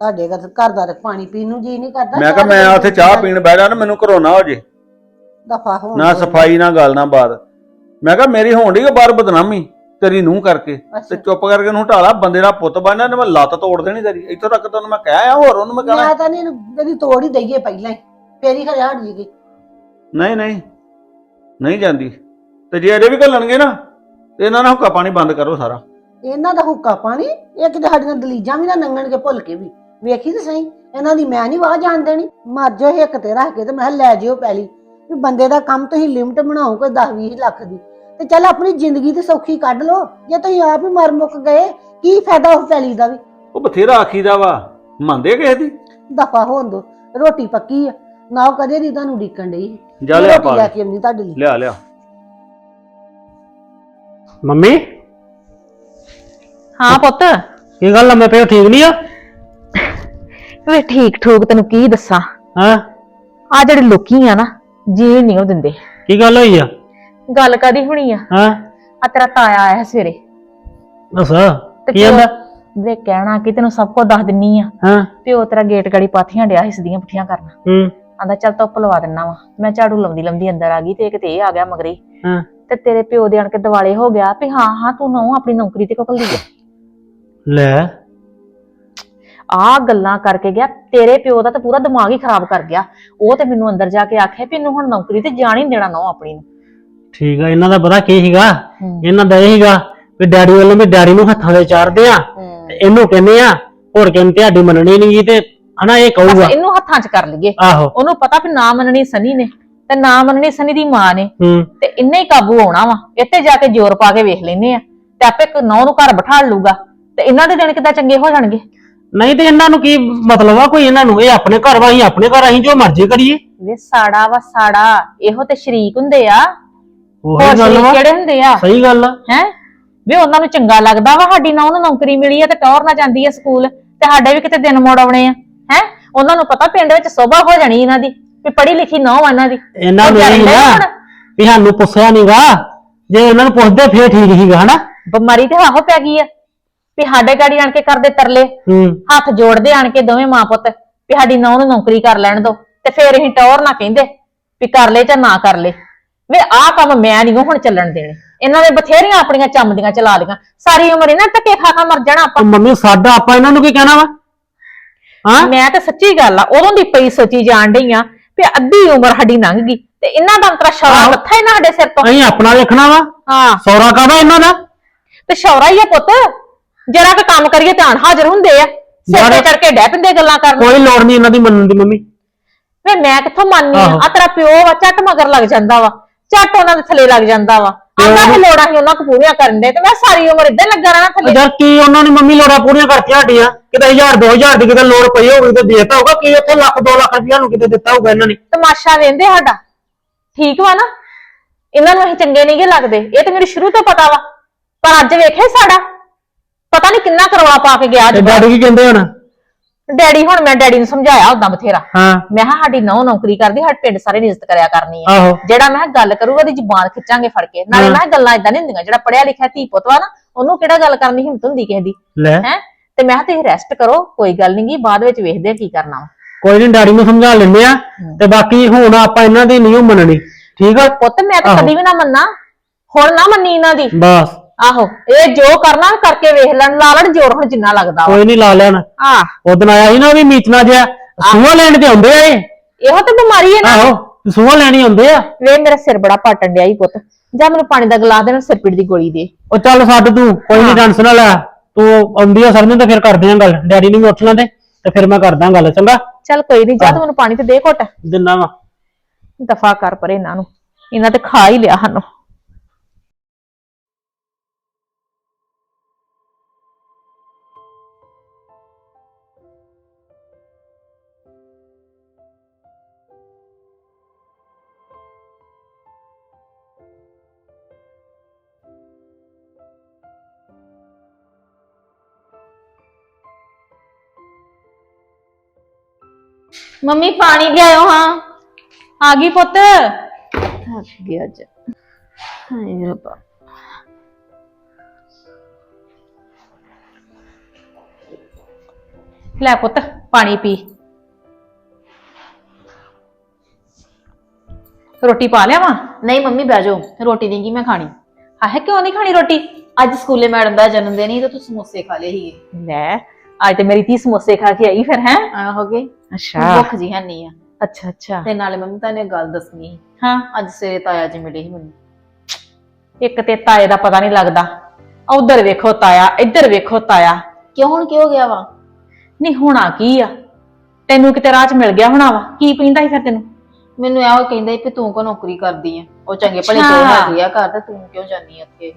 Speaker 4: ਤੁਹਾਡੇ ਘਰ ਦਾ ਤੇ ਪਾਣੀ ਪੀਣ ਨੂੰ ਜੀ ਨਹੀਂ ਕਰਦਾ।
Speaker 6: ਮੈਂ ਕਿਹਾ ਮੈਂ ਉੱਥੇ ਚਾਹ ਪੀਣ ਬਹਿ ਜਾ ਨਾ ਮੈਨੂੰ ਘਰੋਂ ਨਾ ਹੋ ਜੇ,
Speaker 4: ਦਫਾ ਹੋਣ
Speaker 6: ਨਾ
Speaker 4: ਦਿਓ।
Speaker 6: ਸਫਾਈ ਨਾ ਗੱਲ ਨਾ ਬਾਤ। ਮੈਂ ਕਿਹਾ ਮੇਰੀ ਹੋਣ ਡਈ ਬਾਹਰ ਬਦਨਾਮੀ ਤੇਰੀ ਨੂੰਹ ਕਰਕੇ, ਤੇ
Speaker 4: ਅੱਛਾ।
Speaker 6: ਚੁੱਪ ਕਰਕੇ ਉਹਨੂੰ ਢਾਲਾ, ਬੰਦੇ ਦਾ ਪੁੱਤ ਬਣਨਾ ਨੇ, ਮੈਂ ਲੱਤ ਤੋੜ ਦੇਣੀ ਤੇਰੀ। ਇੱਥੋਂ ਤੱਕ ਤੈਨੂੰ ਮੈਂ ਕਹਿ ਆਇਆ, ਹੋਰ ਉਹਨੂੰ ਮੈਂ ਕਹਿਣਾ
Speaker 4: ਮੈਂ ਤਾਂ ਨਹੀਂ ਇਹਦੀ ਤੋੜ ਹੀ ਦਈਏ ਪਹਿਲਾਂ ਹੀ, ਫੇਰ ਹੀ ਖਰੇ ਹਟ ਜੀਗੀ।
Speaker 6: ਨਹੀਂ ਨਹੀਂ ਨਹੀਂ ਜਾਂਦੀ। ਤੇ ਜੇ ਅਜੇ ਵੀ ਘੱਲਣਗੇ ਨਾ ਤੇ ਇਹਨਾਂ ਨਾਲ ਹੁੱਕਾ ਪਾਣੀ ਬੰਦ ਕਰੋ ਸਾਰਾ।
Speaker 4: ਇਹਨਾਂ ਦਾ ਹੁੱਕਾ ਪਾਣੀ ਇਹ ਕਿਤੇ ਸਾਡੀਆਂ ਦਲੀਜਾਂ ਵੀ ਨਾ ਨੰਗਣਗੇ ਭੁੱਲ ਕੇ ਵੀ। ਵੇਖੀ ਤੇ ਸਹੀ, ਇਹਨਾਂ ਦੀ ਮੈਂ ਨਹੀਂ ਵਾਹ ਜਾਣ ਦੇਣੀ। ਮਰ ਜਾਓ ਹਿੱਕ ਤੇ ਰੱਖ ਕੇ ਤੇ ਮੈਂ ਕਿਹਾ ਲੈ ਜਿਓ ਪੈਲੀ ਵੀ ਬੰਦੇ ਦਾ ਕੰਮ ਤੁਸੀਂ ਲਿਮਟ ਬਣਾਓ ਕੋਈ 10-20 ਲੱਖ ਦੀ, ਤੇ ਚੱਲ ਆਪਣੀ ਜ਼ਿੰਦਗੀ ਤੇ ਸੌਖੀ ਕੱਢ ਲਓ। ਜੇ ਤੁਸੀਂ ਆਪ ਹੀ ਮਰ ਮੁੱਕ ਗਏ ਕੀ ਫਾਇਦਾ ਉਸ ਪੈਲੀ ਦਾ ਵੀ।
Speaker 6: ਉਹ ਬਥੇਰਾ ਆਖੀਦਾ ਵਾ, ਮੰਨਦੇ ਕਿਸੇ ਦੀ।
Speaker 4: ਦਫਾ ਹੋਣ ਦੋ, ਰੋਟੀ ਪੱਕੀ ਆ ਨਾ, ਉਹ ਕਦੇ ਦੀ ਤੁਹਾਨੂੰ ਡੀਕਣ ਡਈ।
Speaker 6: ਜਾ ਲਿਆ
Speaker 4: ਰੋਟੀ
Speaker 6: ਪਾ
Speaker 4: ਲੈ ਕੇ ਆਉਂਦੀ ਤੁਹਾਡੇ ਲਈ।
Speaker 6: ਲਿਆ ਲਿਆ।
Speaker 5: ਮੰਮੀ
Speaker 2: ਹਾਂ ਪੁੱਤ,
Speaker 5: ਕੀ ਗੱਲ ਲੰਮੇ ਪਏ ਠੀਕ ਨਹੀਂ ਆ?
Speaker 2: ਵੇ ਠੀਕ ਠੂਕ ਤੈਨੂੰ ਕੀ ਦੱਸਾਂ,
Speaker 5: ਹਾਂ
Speaker 2: ਆ ਜਿਹੜੇ ਲੋਕੀ ਆ ਨਾ ਜੀਣ ਨਹੀਂ ਉਹ ਦਿੰਦੇ।
Speaker 5: ਕੀ ਗੱਲ ਹੋਈ ਆ?
Speaker 2: ਗੱਲ ਕਾਦੀ ਹੋਣੀ ਆ,
Speaker 5: ਹਾਂ
Speaker 2: ਆ ਤੇਰਾ ਤਾਇਆ ਆਇਆ ਸਵੇਰੇ
Speaker 5: ਦੱਸ
Speaker 2: ਤੇ
Speaker 5: ਕੀ ਆਂਦਾ?
Speaker 2: ਵੇ ਕਹਿਣਾ ਕਿ ਤੈਨੂੰ ਸਭ ਕੁਝ ਦੱਸ ਦਿੰਨੀ ਆ।
Speaker 5: ਹਾਂ
Speaker 2: ਪਿਓ ਤੇਰਾ ਗੇਟ ਗਾੜੀ ਪਾਥੀਆਂ ਡਿਆ ਸੀ ਸਿੱਧੀਆਂ ਪੁੱਠੀਆਂ ਕਰਨ। ਆਂਦਾ ਚੱਲ ਧੁੱਪ ਲਵਾ ਦਿੰਨਾ ਵਾ। ਮੈਂ ਝਾੜੂ ਲਾਉਂਦੀ ਲਾਉਂਦੀ ਅੰਦਰ ਆ ਗਈ ਤੇ ਕਿਤੇ ਇਹ ਆ ਗਿਆ ਮਗਰੇ,
Speaker 5: ਹਾਂ
Speaker 2: ਤੇ ਤੇਰੇ ਪਿਓ ਦੇ ਆਣ ਕੇ ਦਿਵਾਲੇ ਹੋ ਗਿਆ ਵੀ ਹਾਂ ਹਾਂ ਤੂੰ ਨਾ ਆਪਣੀ ਨੌਕਰੀ ਤੇ ਕੋਕਲ ਦੀ ਆ।
Speaker 5: ਲੈ
Speaker 2: ਆ ਗੱਲਾਂ ਕਰਕੇ ਗਿਆ, ਤੇਰੇ ਪਿਓ ਦਾ ਤਾਂ ਪੂਰਾ ਦਿਮਾਗ ਹੀ ਖਰਾਬ ਕਰ ਗਿਆ। ਉਹ ਤੇ ਮੈਨੂੰ ਅੰਦਰ ਜਾ ਕੇ ਆਖਿਆ ਵੀ ਇਹਨੂੰ ਹੁਣ ਨੌਕਰੀ ਤੇ ਜਾਣ ਹੀ ਨੀ ਦੇਣਾ ਨਾ ਆਪਣੀ ਨੂੰ।
Speaker 5: ਠੀਕ ਆ, ਇਹਨਾਂ ਦਾ ਪਤਾ ਕੀ ਸੀਗਾ? ਇਹਨਾਂ ਦਾ ਇਹ ਸੀਗਾ ਵੀ ਡੈਡੀ ਵੱਲੋਂ ਵੀ ਡੈਡੀ ਨੂੰ ਹੱਥਾਂ ਦੇ ਚਾੜਦੇ ਆ ਤੇ ਇਹਨੂੰ ਕਹਿੰਦੇ ਆ ਹੋਰ ਕਹਿੰਦੇ ਤੁਹਾਡੀ ਮੰਨਣੀ ਨਹੀਂ ਤੇ ਹਨਾ ਇਹ ਕਹੂਗਾ
Speaker 2: ਇਹਨੂੰ ਹੱਥਾਂ 'ਚ ਕਰ ਲਈਏ।
Speaker 5: ਆਹੋ
Speaker 2: ਉਹਨੂੰ ਪਤਾ ਵੀ ਨਾ ਮੰਨਣੀ ਸਨੀ ਨੇ ਤੇ ਨਾ ਮੰਨਣੀ ਸਨੀ ਦੀ ਮਾਂ ਨੇ, ਤੇ ਇੰਨੇ ਹੀ ਕਾਬੂ ਆਉਣਾ ਵਾ। ਇੱਥੇ ਜਾ ਕੇ ਜ਼ੋਰ ਪਾ ਕੇ ਵੇਖ ਲੈਨੇ ਆ ਤੇ ਆਪੇ ਨੌ ਨੂੰ ਘਰ ਬਿਠਾ ਲੂਗਾ ਤੇ ਇਹਨਾਂ ਦੇ ਦਿਨ ਕਿੱਦਾਂ ਚੰਗੇ ਹੋ ਜਾਣਗੇ।
Speaker 5: ਨਹੀਂ ਤੇ ਇਹਨਾਂ ਨੂੰ ਕੀ ਮਤਲਬ ਆ ਕੋਈ? ਇਹਨਾਂ ਨੂੰ ਇਹ ਆਪਣੇ ਘਰ ਵਾ, ਅਸੀਂ ਆਪਣੇ ਘਰ, ਅਸੀਂ ਜੋ ਮਰਜ਼ੀ ਕਰੀਏ।
Speaker 2: ਵੇ ਸਾੜਾ ਵਾ ਸਾੜਾ, ਇਹੋ ਤੇ ਸ਼ਰੀਕ ਹੁੰਦੇ ਆ।
Speaker 5: ਉਹੀ
Speaker 2: ਹੋਰ
Speaker 5: ਗੱਲ
Speaker 2: ਸ਼ਰੀਕ
Speaker 5: ਵਾ,
Speaker 2: ਕਿਹੜੇ ਹੁੰਦੇ ਆ?
Speaker 5: ਸਹੀ ਗੱਲ ਆ।
Speaker 2: ਹੈ ਵੇ ਉਹਨਾਂ ਨੂੰ ਚੰਗਾ ਲੱਗਦਾ ਵਾ ਸਾਡੀ ਨੌ ਨੂੰ ਨੌਕਰੀ ਮਿਲੀ ਆ ਤੇ ਟੌਰ ਨਾ ਜਾਂਦੀ ਆ ਸਕੂਲ, ਤੇ ਸਾਡੇ ਵੀ ਕਿਤੇ ਦਿਨ ਮੋੜ ਆਉਣੇ ਆ। ਹੈ ਉਹਨਾਂ ਨੂੰ ਪਤਾ ਪਿੰਡ ਵਿੱਚ ਸੋਭਾ ਹੋ ਜਾਣੀ ਇਹਨਾਂ ਦੀ ਵੀ ਪੜ੍ਹੀ ਲਿਖੀ ਨੌ ਆ ਇਹਨਾਂ ਦੀ।
Speaker 5: ਇਹਨਾਂ ਨੂੰ ਇਹ ਨਾ ਵੀ ਸਾਨੂੰ ਪੁੱਛਿਆ ਨਹੀਂਗਾ, ਜੇ ਇਹਨਾਂ ਨੂੰ ਪੁੱਛਦੇ ਫੇਰ ਠੀਕ ਸੀਗਾ ਹਨਾ।
Speaker 2: ਬਿਮਾਰੀ ਤੇ ਆਹੋ ਪੈ ਗਈ ਆ ਵੀ ਸਾਡੇ ਗਾੜੀ ਆਣ ਕੇ ਕਰਦੇ ਤਰਲੇ, ਹੱਥ ਜੋੜਦੇ ਆਣ ਕੇ ਦੋਵੇਂ ਮਾਂ ਪੁੱਤ ਵੀ ਸਾਡੀ ਨੌ ਨੂੰ ਨੌਕਰੀ ਕਰ ਲੈਣ ਦੋ, ਤੇ ਫੇਰ ਅਸੀਂ ਟੌਰ ਨਾ ਕਹਿੰਦੇ ਵੀ ਕਰ ਲੈ ਜਾਂ ਨਾ ਕਰ ਲੈ। ਵੇ ਆਹ ਕੰਮ ਮੈਂ ਨਹੀਂ ਹੁਣ ਚੱਲਣ ਦੇਣੇ। ਇਹਨਾਂ ਨੇ ਬਥੇਰੀਆਂ ਆਪਣੀਆਂ ਚੰਮਦੀਆਂ ਚਲਾ ਲਈਆਂ, ਸਾਰੀ ਉਮਰ ਇਹਨਾਂ ਧੱਕੇ ਖਾ ਖਾ ਮਰ ਜਾਣਾ ਆਪਾਂ।
Speaker 5: ਮੰਮੀ ਸਾਡਾ ਆਪਾਂ ਇਹਨਾਂ ਨੂੰ ਕੀ ਕਹਿਣਾ ਵਾ? ਹਾਂ
Speaker 2: ਮੈਂ ਤਾਂ ਸੱਚੀ ਗੱਲ ਆ ਉਦੋਂ ਦੀ ਪਈ ਸੋਚੀ ਜਾਣ ਡਈ ਆ ਵੀ ਅੱਧੀ ਉਮਰ ਸਾਡੀ ਲੰਘ ਗਈ ਤੇ ਇਹਨਾਂ ਦਾ ਅੰਤਰਾ ਸ਼ੌਰਾ ਲੱਥਾ ਇਹਨਾਂ ਸਾਡੇ ਸਿਰ ਤੋਂ।
Speaker 5: ਅਸੀਂ ਆਪਣਾ ਵੇਖਣਾ ਵਾ,
Speaker 2: ਹਾਂ
Speaker 5: ਸੌਰਾ ਕਾਹਦਾ ਇਹਨਾਂ ਦਾ?
Speaker 2: ਤੇ ਸ਼ੌਰਾ ਹੀ ਆ ਪੁੱਤ, ਜਰਾ ਕੁ ਕੰਮ ਕਰੀਏ ਧਿਆਨ ਹਾਜ਼ਰ ਹੁੰਦੇ ਆ, ਸਿਰ ਤੇ ਚੜ ਕੇ ਡੈ ਪੈਂਦੇ ਗੱਲਾਂ ਕਰਨ।
Speaker 5: ਕੋਈ ਲੋੜ ਨਹੀਂ ਇਹਨਾਂ ਦੀ ਮੰਨਣ ਦੀ ਮੰਮੀ।
Speaker 2: ਵੇ ਮੈਂ ਕਿੱਥੋਂ ਮੰਨਨੀ ਆ ਤੇਰਾ ਪਿਓ ਵਾ, ਝੱਟ ਮਗਰ ਲੱਗ ਜਾਂਦਾ ਵਾ, ਝੱਟ ਉਹਨਾਂ ਦੇ ਥੱਲੇ ਲੱਗ ਜਾਂਦਾ ਵਾ। ਆਂਦਾ ਇਹ ਲੋੜਾਂ ਹੀ ਉਹਨਾਂ ਕੋ ਪੂਰੀਆਂ ਕਰਨ ਦੇ, ਤੇ ਮੈਂ ਸਾਰੀ ਉਮਰ ਇਦਾਂ ਲੱਗਾ ਰਹਿਣਾ ਥੱਲੇ।
Speaker 5: ਯਾਰ ਕੀ ਉਹਨਾਂ ਨੇ ਮੰਮੀ ਲੋੜਾਂ ਪੂਰੀਆਂ ਕਰਤੀਆਂ ਸਾਡੀਆਂ? ਕਿਤੇ 1000 2000 ਦੀ ਕਿਤੇ ਲੋੜ ਪਈ ਹੋਊਗੀ ਤੇ ਦੇਤਾ ਹੋਊਗਾ, ਕੀ ਉੱਥੇ ਲੱਖ 2 ਲੱਖ ਰੁਪਇਆ ਨੂੰ ਕਿਤੇ ਦਿੱਤਾ ਹੋਊਗਾ ਇਹਨਾਂ ਨੇ।
Speaker 2: ਤਮਾਸ਼ਾ ਵੇਂਦੇ ਸਾਡਾ, ਠੀਕ ਵਾ ਨਾ? ਇਹਨਾਂ ਨੂੰ ਅਸੀਂ ਚੰਗੇ ਨਹੀਂਗੇ ਲੱਗਦੇ, ਇਹ ਤੇ ਮੈਨੂੰ ਸ਼ੁਰੂ ਤੋਂ ਪਤਾ ਵਾ, ਪਰ ਅੱਜ ਵੇਖੇ ਸਾਡਾ ਪਤਾ ਨਹੀਂ ਕਿੰਨਾ ਕਰਵਾ ਪਾ ਕੇ ਗਿਆ।
Speaker 5: ਤੇ ਡੈਡੀ ਕੀ ਕਹਿੰਦੇ ਹੁਣ?
Speaker 2: ਡੈਡੀ ਹੁਣ ਮੈਂ ਡੈਡੀ ਨੂੰ ਸਮਝਾਇਆ ਉਦਾਂ ਬਥੇਰਾ।
Speaker 5: ਹਾਂ
Speaker 2: ਮੈਂ ਕਿਹਾ ਸਾਡੀ ਨੌ ਨੌਕਰੀ ਕਰਦੀ, ਸਾਡੇ ਪਿੰਡ ਸਾਰੇ ਇੱਜ਼ਤ ਕਰਿਆ ਕਰਨੀ ਆ।
Speaker 5: ਆਹੋ
Speaker 2: ਜਿਹੜਾ ਮੈਂ ਕਿਹਾ ਗੱਲ ਕਰੂਗਾ ਉਹਦੀ ਜ਼ੁਬਾਨ ਖਿੱਚਾਂਗੇ ਫੜ ਕੇ। ਨਾਲੇ ਮੈਂ ਕਿਹਾ ਗੱਲਾਂ ਇਦਾਂ ਨਹੀਂ ਹੁੰਦੀਆਂ, ਜਿਹੜਾ ਪੜਿਆ ਲਿਖਿਆ ਧੀ ਪੁੱਤ ਵਾ ਨਾ ਉਹਨੂੰ ਕਿਹੜਾ ਗੱਲ ਕਰਨ ਦੀ ਹਿੰਮਤ ਹੁੰਦੀ ਕਿਸੇ ਦੀ।
Speaker 5: ਲੈ
Speaker 2: ਹੈ ਤੇ ਮੈਂ ਕਿਹਾ ਤੁਸੀਂ ਰੈਸਟ ਕਰੋ, ਕੋਈ ਗੱਲ ਨੀ ਗੀ, ਬਾਅਦ ਵਿੱਚ ਵੇਖਦੇ ਆ ਕੀ ਕਰਨਾ ਵਾ।
Speaker 5: ਕੋਈ ਨਹੀਂ, ਡੈਡੀ ਨੂੰ ਸਮਝਾ ਲੈਂਦੇ ਆ, ਤੇ ਬਾਕੀ ਹੁਣ ਆਪਾਂ ਇਹਨਾਂ ਦੀ ਨਹੀਂ ਮੰਨਣੀ, ਠੀਕ ਆ?
Speaker 2: ਪੁੱਤ ਮੈਂ ਤਾਂ ਕਦੀ ਵੀ ਨਾ ਮੰਨਾ, ਹੁਣ ਨਾ ਮੰਨੀ ਇਹਨਾਂ ਦੀ।
Speaker 5: ਬਸ
Speaker 2: ਆਹੋ ਇਹ ਜੋ ਕਰਨਾ ਕਰਕੇ ਵੇਖ ਲੈਣ, ਲਾ ਲੈਣ ਜੋਰ ਹੁਣ ਜਿੰਨਾ ਲੱਗਦਾ ਵਾ।
Speaker 5: ਕੋਈ ਨਹੀਂ, ਲਾ ਲੈਣ। ਉਦਣ ਆਇਆ ਸੀ ਨਾ ਵੀ ਮੀਚਣਾ ਜਿਹਾ, ਸੂਹਾ ਲੈਣ ਤੇ ਆਉਂਦੇ ਆ ਇਹ।
Speaker 2: ਇਹੋ ਤੇ ਬਿਮਾਰੀ ਹੈ ਨਾ।
Speaker 5: ਆਹੋ ਸੂਹਾ ਲੈਣੀ ਆਉਂਦੇ ਆ।
Speaker 2: ਵੇ ਮੇਰਾ ਸਿਰ ਬੜਾ ਪਾਟਣ ਡਿਆ ਈ ਪੁੱਤ, ਜਾ ਮੈਨੂੰ ਪਾਣੀ ਦਾ ਗਲਾਸ ਦੇ ਨਾਲ ਸਿਰ ਪੀੜ ਦੀ ਗੋਲੀ ਦੇ।
Speaker 5: ਉਹ ਚੱਲ ਛੱਡ ਤੂੰ, ਕੋਈ ਨਹੀਂ ਟੈਨਸ਼ਨ ਨਾ ਲੈ ਤੂੰ। ਆਉਂਦੀ ਆ ਸਰਨੇ ਤੇ ਫਿਰ ਕਰਦੇ ਆ ਗੱਲ, ਡੈਡੀ ਨੂੰ ਵੀ ਉੱਠ ਲੈਂਦੇ ਤੇ ਫਿਰ ਮੈਂ ਕਰਦਾ ਗੱਲ, ਚੰਗਾ?
Speaker 2: ਚੱਲ ਕੋਈ ਨਹੀਂ, ਜਾ ਤੂੰ ਮੈਨੂੰ ਪਾਣੀ ਤੇ ਦੇ ਘੁੱਟ।
Speaker 5: ਦਿਨਾ ਵਾ
Speaker 2: ਦਫਾ ਕਰ ਪਰੇ ਇਹਨਾਂ ਨੂੰ, ਇਹਨਾਂ ਤੇ ਖਾ ਹੀ ਲਿਆ ਸਾਨੂੰ। ਮੰਮੀ ਪਾਣੀ ਲਿਆਓ। ਹਾਂ ਆ ਗਈ ਪੁੱਤ। ਥੱਕ ਗਿਆ ਅੱਜ, ਹਾਏ ਰੱਬਾ। ਲੈ ਪੁੱਤ ਪਾਣੀ ਪੀ। ਰੋਟੀ ਪਾ ਲਿਆ ਵਾ?
Speaker 7: ਨਹੀਂ ਮੰਮੀ ਬਹਿ ਜਾਓ, ਰੋਟੀ ਨਹੀਂ ਕੀ ਮੈਂ ਖਾਣੀ।
Speaker 2: ਆਹੇ ਕਿਉਂ ਨਹੀਂ ਖਾਣੀ ਰੋਟੀ?
Speaker 7: ਅੱਜ ਸਕੂਲੇ ਮੈਡਮ ਦਾ ਜਨਮ ਦਿਨ ਸੀ ਤੇ ਤੂੰ ਸਮੋਸੇ ਖਾ ਲਏ ਸੀਗੇ।
Speaker 2: ਲੈ ਅੱਜ ਤੇ ਮੇਰੀ ਧੀ ਸਮੋਸੇ ਖਾ ਕੇ ਆਈ ਫਿਰ ਹੈ।
Speaker 7: ਹੋ ਗਏ
Speaker 2: ਅੱਛਾ
Speaker 7: ਭੁੱਖ ਜੀ ਹੈ ਨਹੀਂ ਆ।
Speaker 2: ਅੱਛਾ ਅੱਛਾ।
Speaker 7: ਤੇ ਨਾਲੇ ਮੰਮੀ ਤੁਹਾਨੂੰ ਇੱਕ ਗੱਲ ਦੱਸਣੀ ਸੀ।
Speaker 2: ਹਾਂ
Speaker 7: ਅੱਜ ਸਵੇਰੇ ਤਾਇਆ ਜੀ ਮਿਲੇ ਸੀ ਮੈਨੂੰ।
Speaker 2: ਇੱਕ ਤੇ ਤਾਏ ਦਾ ਪਤਾ ਨਹੀਂ ਲੱਗਦਾ, ਉਧਰ ਵੇਖੋ ਤਾਇਆ ਇੱਧਰ ਵੇਖੋ ਤਾਇਆ।
Speaker 7: ਕਿਉਂ ਹੁਣ ਕੀ ਹੋ ਗਿਆ ਵਾ?
Speaker 2: ਨਹੀਂ ਹੋਣਾ ਕੀ ਆ, ਤੈਨੂੰ ਕਿਤੇ ਰਾਹ ਚ ਮਿਲ ਗਿਆ ਹੋਣਾ ਵਾ। ਕੀ ਪੀਂਦਾ ਸੀ ਫਿਰ ਤੈਨੂੰ?
Speaker 7: ਮੈਨੂੰ ਇਹੋ ਕਹਿੰਦਾ ਸੀ ਕਿ ਤੂੰ ਕੋ ਨੌਕਰੀ ਕਰਦੀ ਆ, ਉਹ ਚੰਗੇ ਭਲੇ
Speaker 2: ਅੱਛਾ।
Speaker 7: ਜੋ ਹੈਗੇ ਆ ਘਰ ਤੇ ਤੂੰ ਕਿਉਂ ਜਾਨੀ ਆ ਉੱਥੇ।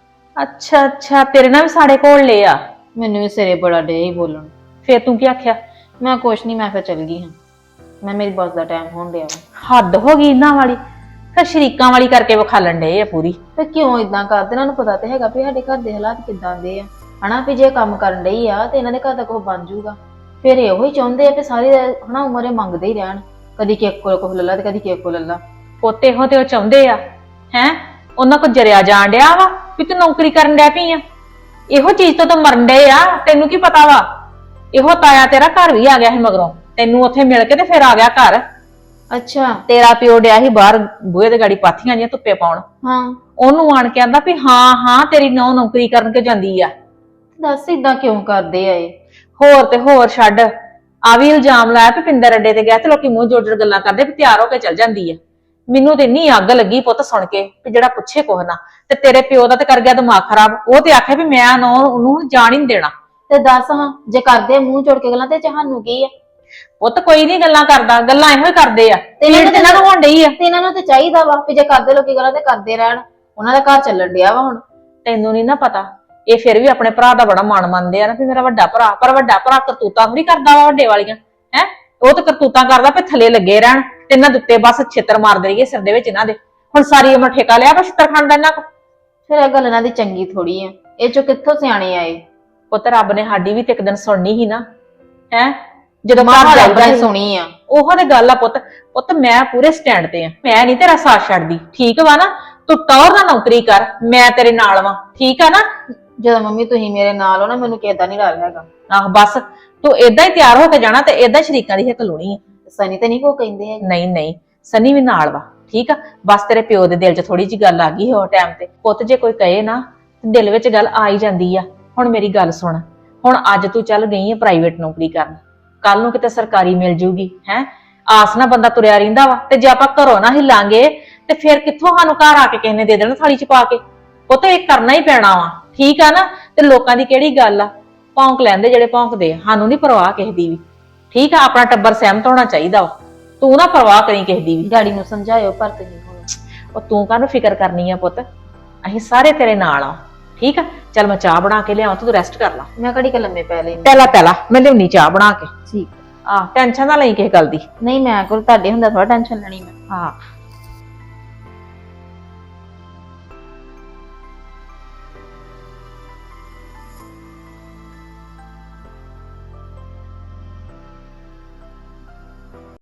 Speaker 2: ਅੱਛਾ ਅੱਛਾ, ਤੇਰੇ ਨਾਲ ਵੀ ਸਾਡੇ ਕੋਲ ਲਏ ਆ।
Speaker 7: ਮੈਨੂੰ ਵੀ ਸਿਰੇ ਬੜਾ ਡੇ ਹੀ ਬੋਲਣ।
Speaker 2: ਫਿਰ ਤੂੰ ਕੀ ਆਖਿਆ?
Speaker 7: ਮੈਂ ਕੁਛ ਨਹੀਂ, ਮੈਂ ਫਿਰ ਚੱਲ ਗਈ ਹਾਂ। ਮੈਂ ਮੇਰੀ ਬੱਸ ਦਾ ਟਾਈਮ ਹੋਣ ਡਿਆ ਵਾ।
Speaker 2: ਹੱਦ ਹੋ ਗਈ ਇਹਨਾਂ ਵਾਲੀ, ਫਿਰ ਸ਼ਰੀਕਾਂ ਵਾਲੀ ਕਰਕੇ ਵਿਖਾਲਣ ਡਏ ਆ ਪੂਰੀ।
Speaker 7: ਤੇ ਕਿਉਂ ਇਦਾਂ ਕਰਦੇ? ਇਹਨਾਂ ਨੂੰ ਪਤਾ ਤੇ ਹੈਗਾ ਵੀ ਸਾਡੇ ਘਰ ਦੇ ਹਾਲਾਤ ਕਿੱਦਾਂ ਦੇ ਆ, ਹਨਾ ਵੀ ਜੇ ਕੰਮ ਕਰਨ ਡਈ ਆ ਤੇ ਇਹਨਾਂ ਦੇ ਘਰ ਦਾ ਕੁਝ ਬਣ ਜਾਊਗਾ। ਫਿਰ ਇਹੋ ਹੀ ਚਾਹੁੰਦੇ ਆ ਕਿ ਸਾਰੀ ਹਨਾ ਉਮਰੇ ਮੰਗਦੇ ਹੀ ਰਹਿਣ, ਕਦੀ ਕਿਸ ਕੋਲ ਕੁਝ ਲੱਲਾ ਤੇ ਕਦੀ ਕਿਸ ਕੋਲ ਲੱਲਾ।
Speaker 2: ਪੋਤੇ ਹੋ ਤੇ ਉਹ ਚਾਹੁੰਦੇ ਆ ਹੈ ਉਹਨਾਂ ਕੋ ਜਰਿਆ ਜਾਣ ਡਿਆ ਵਾ ਵੀ ਤੂੰ ਨੌਕਰੀ ਕਰਨ ਡਿਆ ਪਈ ਆ। ਇਹੋ ਚੀਜ਼ ਤੋਂ ਤਾਂ ਮਰਨ ਡਏ ਆ, ਤੈਨੂੰ ਕੀ ਪਤਾ ਵਾ? ਇਹੋ ਤਾਇਆ ਤੇਰਾ ਘਰ ਵੀ ਆ ਗਿਆ ਸੀ ਮਗਰੋਂ, ਤੈਨੂੰ ਉੱਥੇ ਮਿਲ ਕੇ ਤੇ ਫਿਰ ਆ ਗਿਆ ਘਰ।
Speaker 7: ਅੱਛਾ
Speaker 2: ਤੇਰਾ ਪਿਓ ਡਿਆ ਸੀ ਬਾਹਰ ਬੂਹੇ ਦੇ ਗਾੜੀ ਪਾਥੀਆਂ ਜੀਆਂ ਧੁੱਪੇ ਪਾਉਣ,
Speaker 7: ਹਾਂ,
Speaker 2: ਉਹਨੂੰ ਆਣ ਕੇ ਆਂਦਾ ਵੀ ਹਾਂ ਹਾਂ ਤੇਰੀ ਨੌਂ ਨੌਕਰੀ ਕਰਨ ਕੇ ਜਾਂਦੀ ਆ।
Speaker 7: ਦੱਸ ਇਦਾਂ ਕਿਉਂ ਕਰਦੇ ਆ ਇਹ?
Speaker 2: ਹੋਰ ਤੇ ਹੋਰ ਛੱਡ, ਆ ਵੀ ਇਲਜ਼ਾਮ ਲਾਇਆ ਵੀ ਪਿੰਦਰ ਅੱਡੇ ਤੇ ਗਿਆ ਤੇ ਲੋਕੀ ਮੂੰਹ ਜੋੜ ਜੋੜ ਗੱਲਾਂ ਕਰਦੇ ਵੀ ਤਿਆਰ ਹੋ ਕੇ ਚੱਲ ਜਾਂਦੀ ਆ। ਮੈਨੂੰ ਤੇ ਇੰਨੀ ਅੱਗ ਲੱਗੀ ਪੁੱਤ ਸੁਣ ਕੇ ਵੀ ਜਿਹੜਾ ਪੁੱਛੇ ਕੁਛ ਨਾ। ਤੇ ਤੇਰੇ ਪਿਓ ਦਾ ਤੇ ਕਰ ਗਿਆ ਦਿਮਾਗ ਖਰਾਬ, ਉਹ ਤੇ ਆਖਿਆ ਵੀ ਮੈਂ ਉਹਨੂੰ ਜਾਣ ਹੀ ਨਹੀਂ ਦੇਣਾ।
Speaker 7: ਤੇ ਦੱਸ ਹਾਂ, ਜੇ ਕਰਦੇ ਆ ਮੂੰਹ ਜੋੜ ਕੇ ਗੱਲਾਂ ਤੇ ਤੁਹਾਨੂੰ ਕੀ ਆ?
Speaker 2: ਪੁੱਤ ਕੋਈ ਨਹੀਂ ਗੱਲਾਂ ਕਰਦਾ, ਗੱਲਾਂ ਇਹੋ ਹੀ ਕਰਦੇ ਆ
Speaker 7: ਤੇ
Speaker 2: ਇਹਨਾਂ ਨੂੰ ਹੋਣ ਡਈ ਆ।
Speaker 7: ਤੇ ਇਹਨਾਂ ਨੂੰ ਤੇ ਚਾਹੀਦਾ ਵਾ ਵੀ ਜੇ ਕਰਦੇ ਲੋਕੀ ਗੱਲਾਂ ਤੇ ਕਰਦੇ ਰਹਿਣ, ਉਹਨਾਂ ਦਾ ਘਰ ਚੱਲਣ ਡਿਆ ਵਾ ਹੁਣ।
Speaker 2: ਤੈਨੂੰ ਨਹੀਂ ਨਾ ਪਤਾ, ਇਹ ਫਿਰ ਵੀ ਆਪਣੇ ਭਰਾ ਦਾ ਬੜਾ ਮਾਣ ਮੰਨਦੇ ਆ ਨਾ ਵੀ ਮੇਰਾ ਵੱਡਾ ਭਰਾ, ਪਰ ਵੱਡਾ ਭਰਾ ਕਰਤੂਤਾਂ ਥੋੜੀ ਕਰਦਾ ਵਾ ਵੱਡੇ ਵਾਲੀਆਂ ਹੈ। ਉਹ ਤਾਂ ਕਰਤੂਤਾਂ ਕਰਦਾ ਵੀ ਥੱਲੇ ਲੱਗੇ ਰਹਿਣ ਤੇ ਇਹਨਾਂ ਦੇ ਉੱਤੇ ਬਸ ਛਿੱਤਰ ਮਾਰਦੇ ਰਹੀਏ ਸਿਰ ਦੇ ਵਿੱਚ ਇਹਨਾਂ ਦੇ। ਹੁਣ ਸਾਰੀ ਉਮਰ ਠੇਕਾ ਲਿਆ ਬਸ ਛਿੱਤਰ ਖਾਣ ਦਾ ਇਹਨਾਂ ਕੋ।
Speaker 7: ਫਿਰ ਇਹ ਗੱਲ ਇਹਨਾਂ ਦੀ ਚੰਗੀ ਥੋੜੀ ਆ, ਇਹ ਚੋਂ ਕਿੱਥੋਂ ਸਿਆਣੇ ਆਏ?
Speaker 2: ਪੁੱਤ ਰੱਬ ਨੇ ਸਾਡੀ ਵੀ ਤੇ ਇੱਕ ਦਿਨ ਸੁਣਨੀ ਸੀ ਨਾ ਹੈ, ਜਦੋਂ
Speaker 7: ਮਾਂ
Speaker 2: ਘਰ
Speaker 7: ਰੱਬ
Speaker 2: ਜਾਂਦਾ
Speaker 7: ਨੇ
Speaker 2: ਸੀ।
Speaker 7: ਸੁਣੀ ਆ।
Speaker 2: ਉਹੋ ਤੇ ਗੱਲ ਆ ਪੁੱਤ, ਪੁੱਤ ਮੈਂ ਪੂਰੇ ਸਟੈਂਡ ਤੇ ਆ, ਮੈਂ ਨਹੀਂ ਤੇਰਾ ਸਾਥ ਛੱਡਦੀ, ਠੀਕ ਵਾ ਨਾ? ਤੂੰ ਟੌਰ ਨਾਲ ਨੌਕਰੀ ਕਰ, ਮੈਂ ਤੇਰੇ ਨਾਲ ਵਾਂ, ਠੀਕ ਆ ਨਾ?
Speaker 7: ਜਦੋਂ ਮੰਮੀ ਤੁਸੀਂ ਮੇਰੇ ਨਾਲ ਹੋ ਨਾ, ਮੈਨੂੰ ਕਿਦਾਂ ਨਹੀਂ ਡਰ ਹੈਗਾ।
Speaker 2: ਆਹ ਬਸ ਤੂੰ ਏਦਾਂ ਹੀ ਤਿਆਰ ਹੋ ਕੇ ਜਾਣਾ ਤੇ ਏਦਾਂ ਸ਼ਰੀਕਾਂ ਦੀ ਹਿੱਕ ਲਾਉਣੀ ਆ।
Speaker 7: ਸਨੀ ਤੇ ਨਹੀਂ ਕੋ ਕਹਿੰਦੇ ਹੈਗੇ।
Speaker 2: ਨਹੀਂ ਨਹੀਂ, ਸਨੀ ਵੀ ਨਾਲ ਵਾ, ਠੀਕ ਆ? ਬਸ ਤੇਰੇ ਪਿਓ ਦੇ ਦਿਲ 'ਚ ਥੋੜੀ ਜਿਹੀ ਗੱਲ ਆ ਗਈ ਹੋ ਟਾਈਮ ਤੇ। ਪੁੱਤ ਜੇ ਕੋਈ ਕਹੇ ਨਾ ਦਿਲ ਵਿੱਚ ਗੱਲ ਆ ਹੀ ਜਾਂਦੀ ਆ। ਹੁਣ ਮੇਰੀ ਗੱਲ ਸੁਣ, ਹੁਣ ਅੱਜ ਤੂੰ ਚੱਲ ਗਈ ਆ ਪ੍ਰਾਈਵੇਟ ਨੌਕਰੀ ਕਰਨ, ਕੱਲ ਨੂੰ ਕਿਤੇ ਸਰਕਾਰੀ ਮਿਲ ਜੂਗੀ ਹੈ। ਆਸ ਨਾਲ ਬੰਦਾ ਤੁਰਿਆ ਰਹਿੰਦਾ ਵਾ, ਤੇ ਜੇ ਆਪਾਂ ਘਰੋਂ ਨਾ ਹਿਲਾਂਗੇ ਤੇ ਫਿਰ ਕਿੱਥੋਂ ਸਾਨੂੰ ਘਰ ਆ ਕੇ ਕਿਸੇ ਨੇ ਦੇ ਦੇਣਾ ਥਾਲੀ 'ਚ ਪਾ ਕੇ। ਪੁੱਤ ਇਹ ਕਰਨਾ ਹੀ ਪੈਣਾ ਵਾ, ਠੀਕ ਆ ਨਾ? ਤੇ ਲੋਕਾਂ ਦੀ ਕਿਹੜੀ ਗੱਲ ਆ, ਭੌਂਕ ਲੈਂਦੇ ਜਿਹੜੇ ਭੌਂਕਦੇ ਆ, ਸਾਨੂੰ ਨਹੀਂ ਪਰਵਾਹ ਕਿਸੇ ਦੀ ਵੀ, ਠੀਕ ਆ? ਆਪਣਾ ਟੱਬਰ ਸਹਿਮਤ ਹੋਣਾ ਚਾਹੀਦਾ ਵਾ, ਤੂੰ ਨਾ ਪਰਵਾਹ ਕਰੀ ਕਿਸੇ ਦੀ ਵੀ।
Speaker 7: ਡੈਡੀ ਨੂੰ ਸਮਝਾਇਓ ਪਰ ਤੁਸੀਂ ਹੁਣ।
Speaker 2: ਉਹ ਤੂੰ ਕਾਹਨੂੰ ਫਿਕਰ ਕਰਨੀ ਆ ਪੁੱਤ, ਅਸੀਂ ਸਾਰੇ ਤੇਰੇ ਨਾਲ ਆ, ਠੀਕ ਆ? ਚੱਲ ਮੈਂ ਚਾਹ ਬਣਾ ਕੇ ਲਿਆਵਾਂ, ਤੂੰ ਰੈਸਟ ਕਰ ਲੈ।
Speaker 7: ਮੈਂ ਘੜੀ ਕ ਲੰਮੇ ਪੈ ਲੈਂਦੀ।
Speaker 2: ਪਹਿਲਾਂ ਮੈਂ ਲਿਆਉਣੀ ਚਾਹ ਬਣਾ ਕੇ।
Speaker 7: ਠੀਕ।
Speaker 2: ਆਹ ਟੈਨਸ਼ਨ ਨਾ ਲਈ ਕਿਸੇ ਗੱਲ ਦੀ।
Speaker 7: ਨਹੀਂ ਮੈਂ ਕੋਲ ਤੁਹਾਡੇ ਹੁੰਦਾ ਥੋੜਾ ਟੈਨਸ਼ਨ ਲੈਣੀ ਮੈਂ।
Speaker 2: ਹਾਂ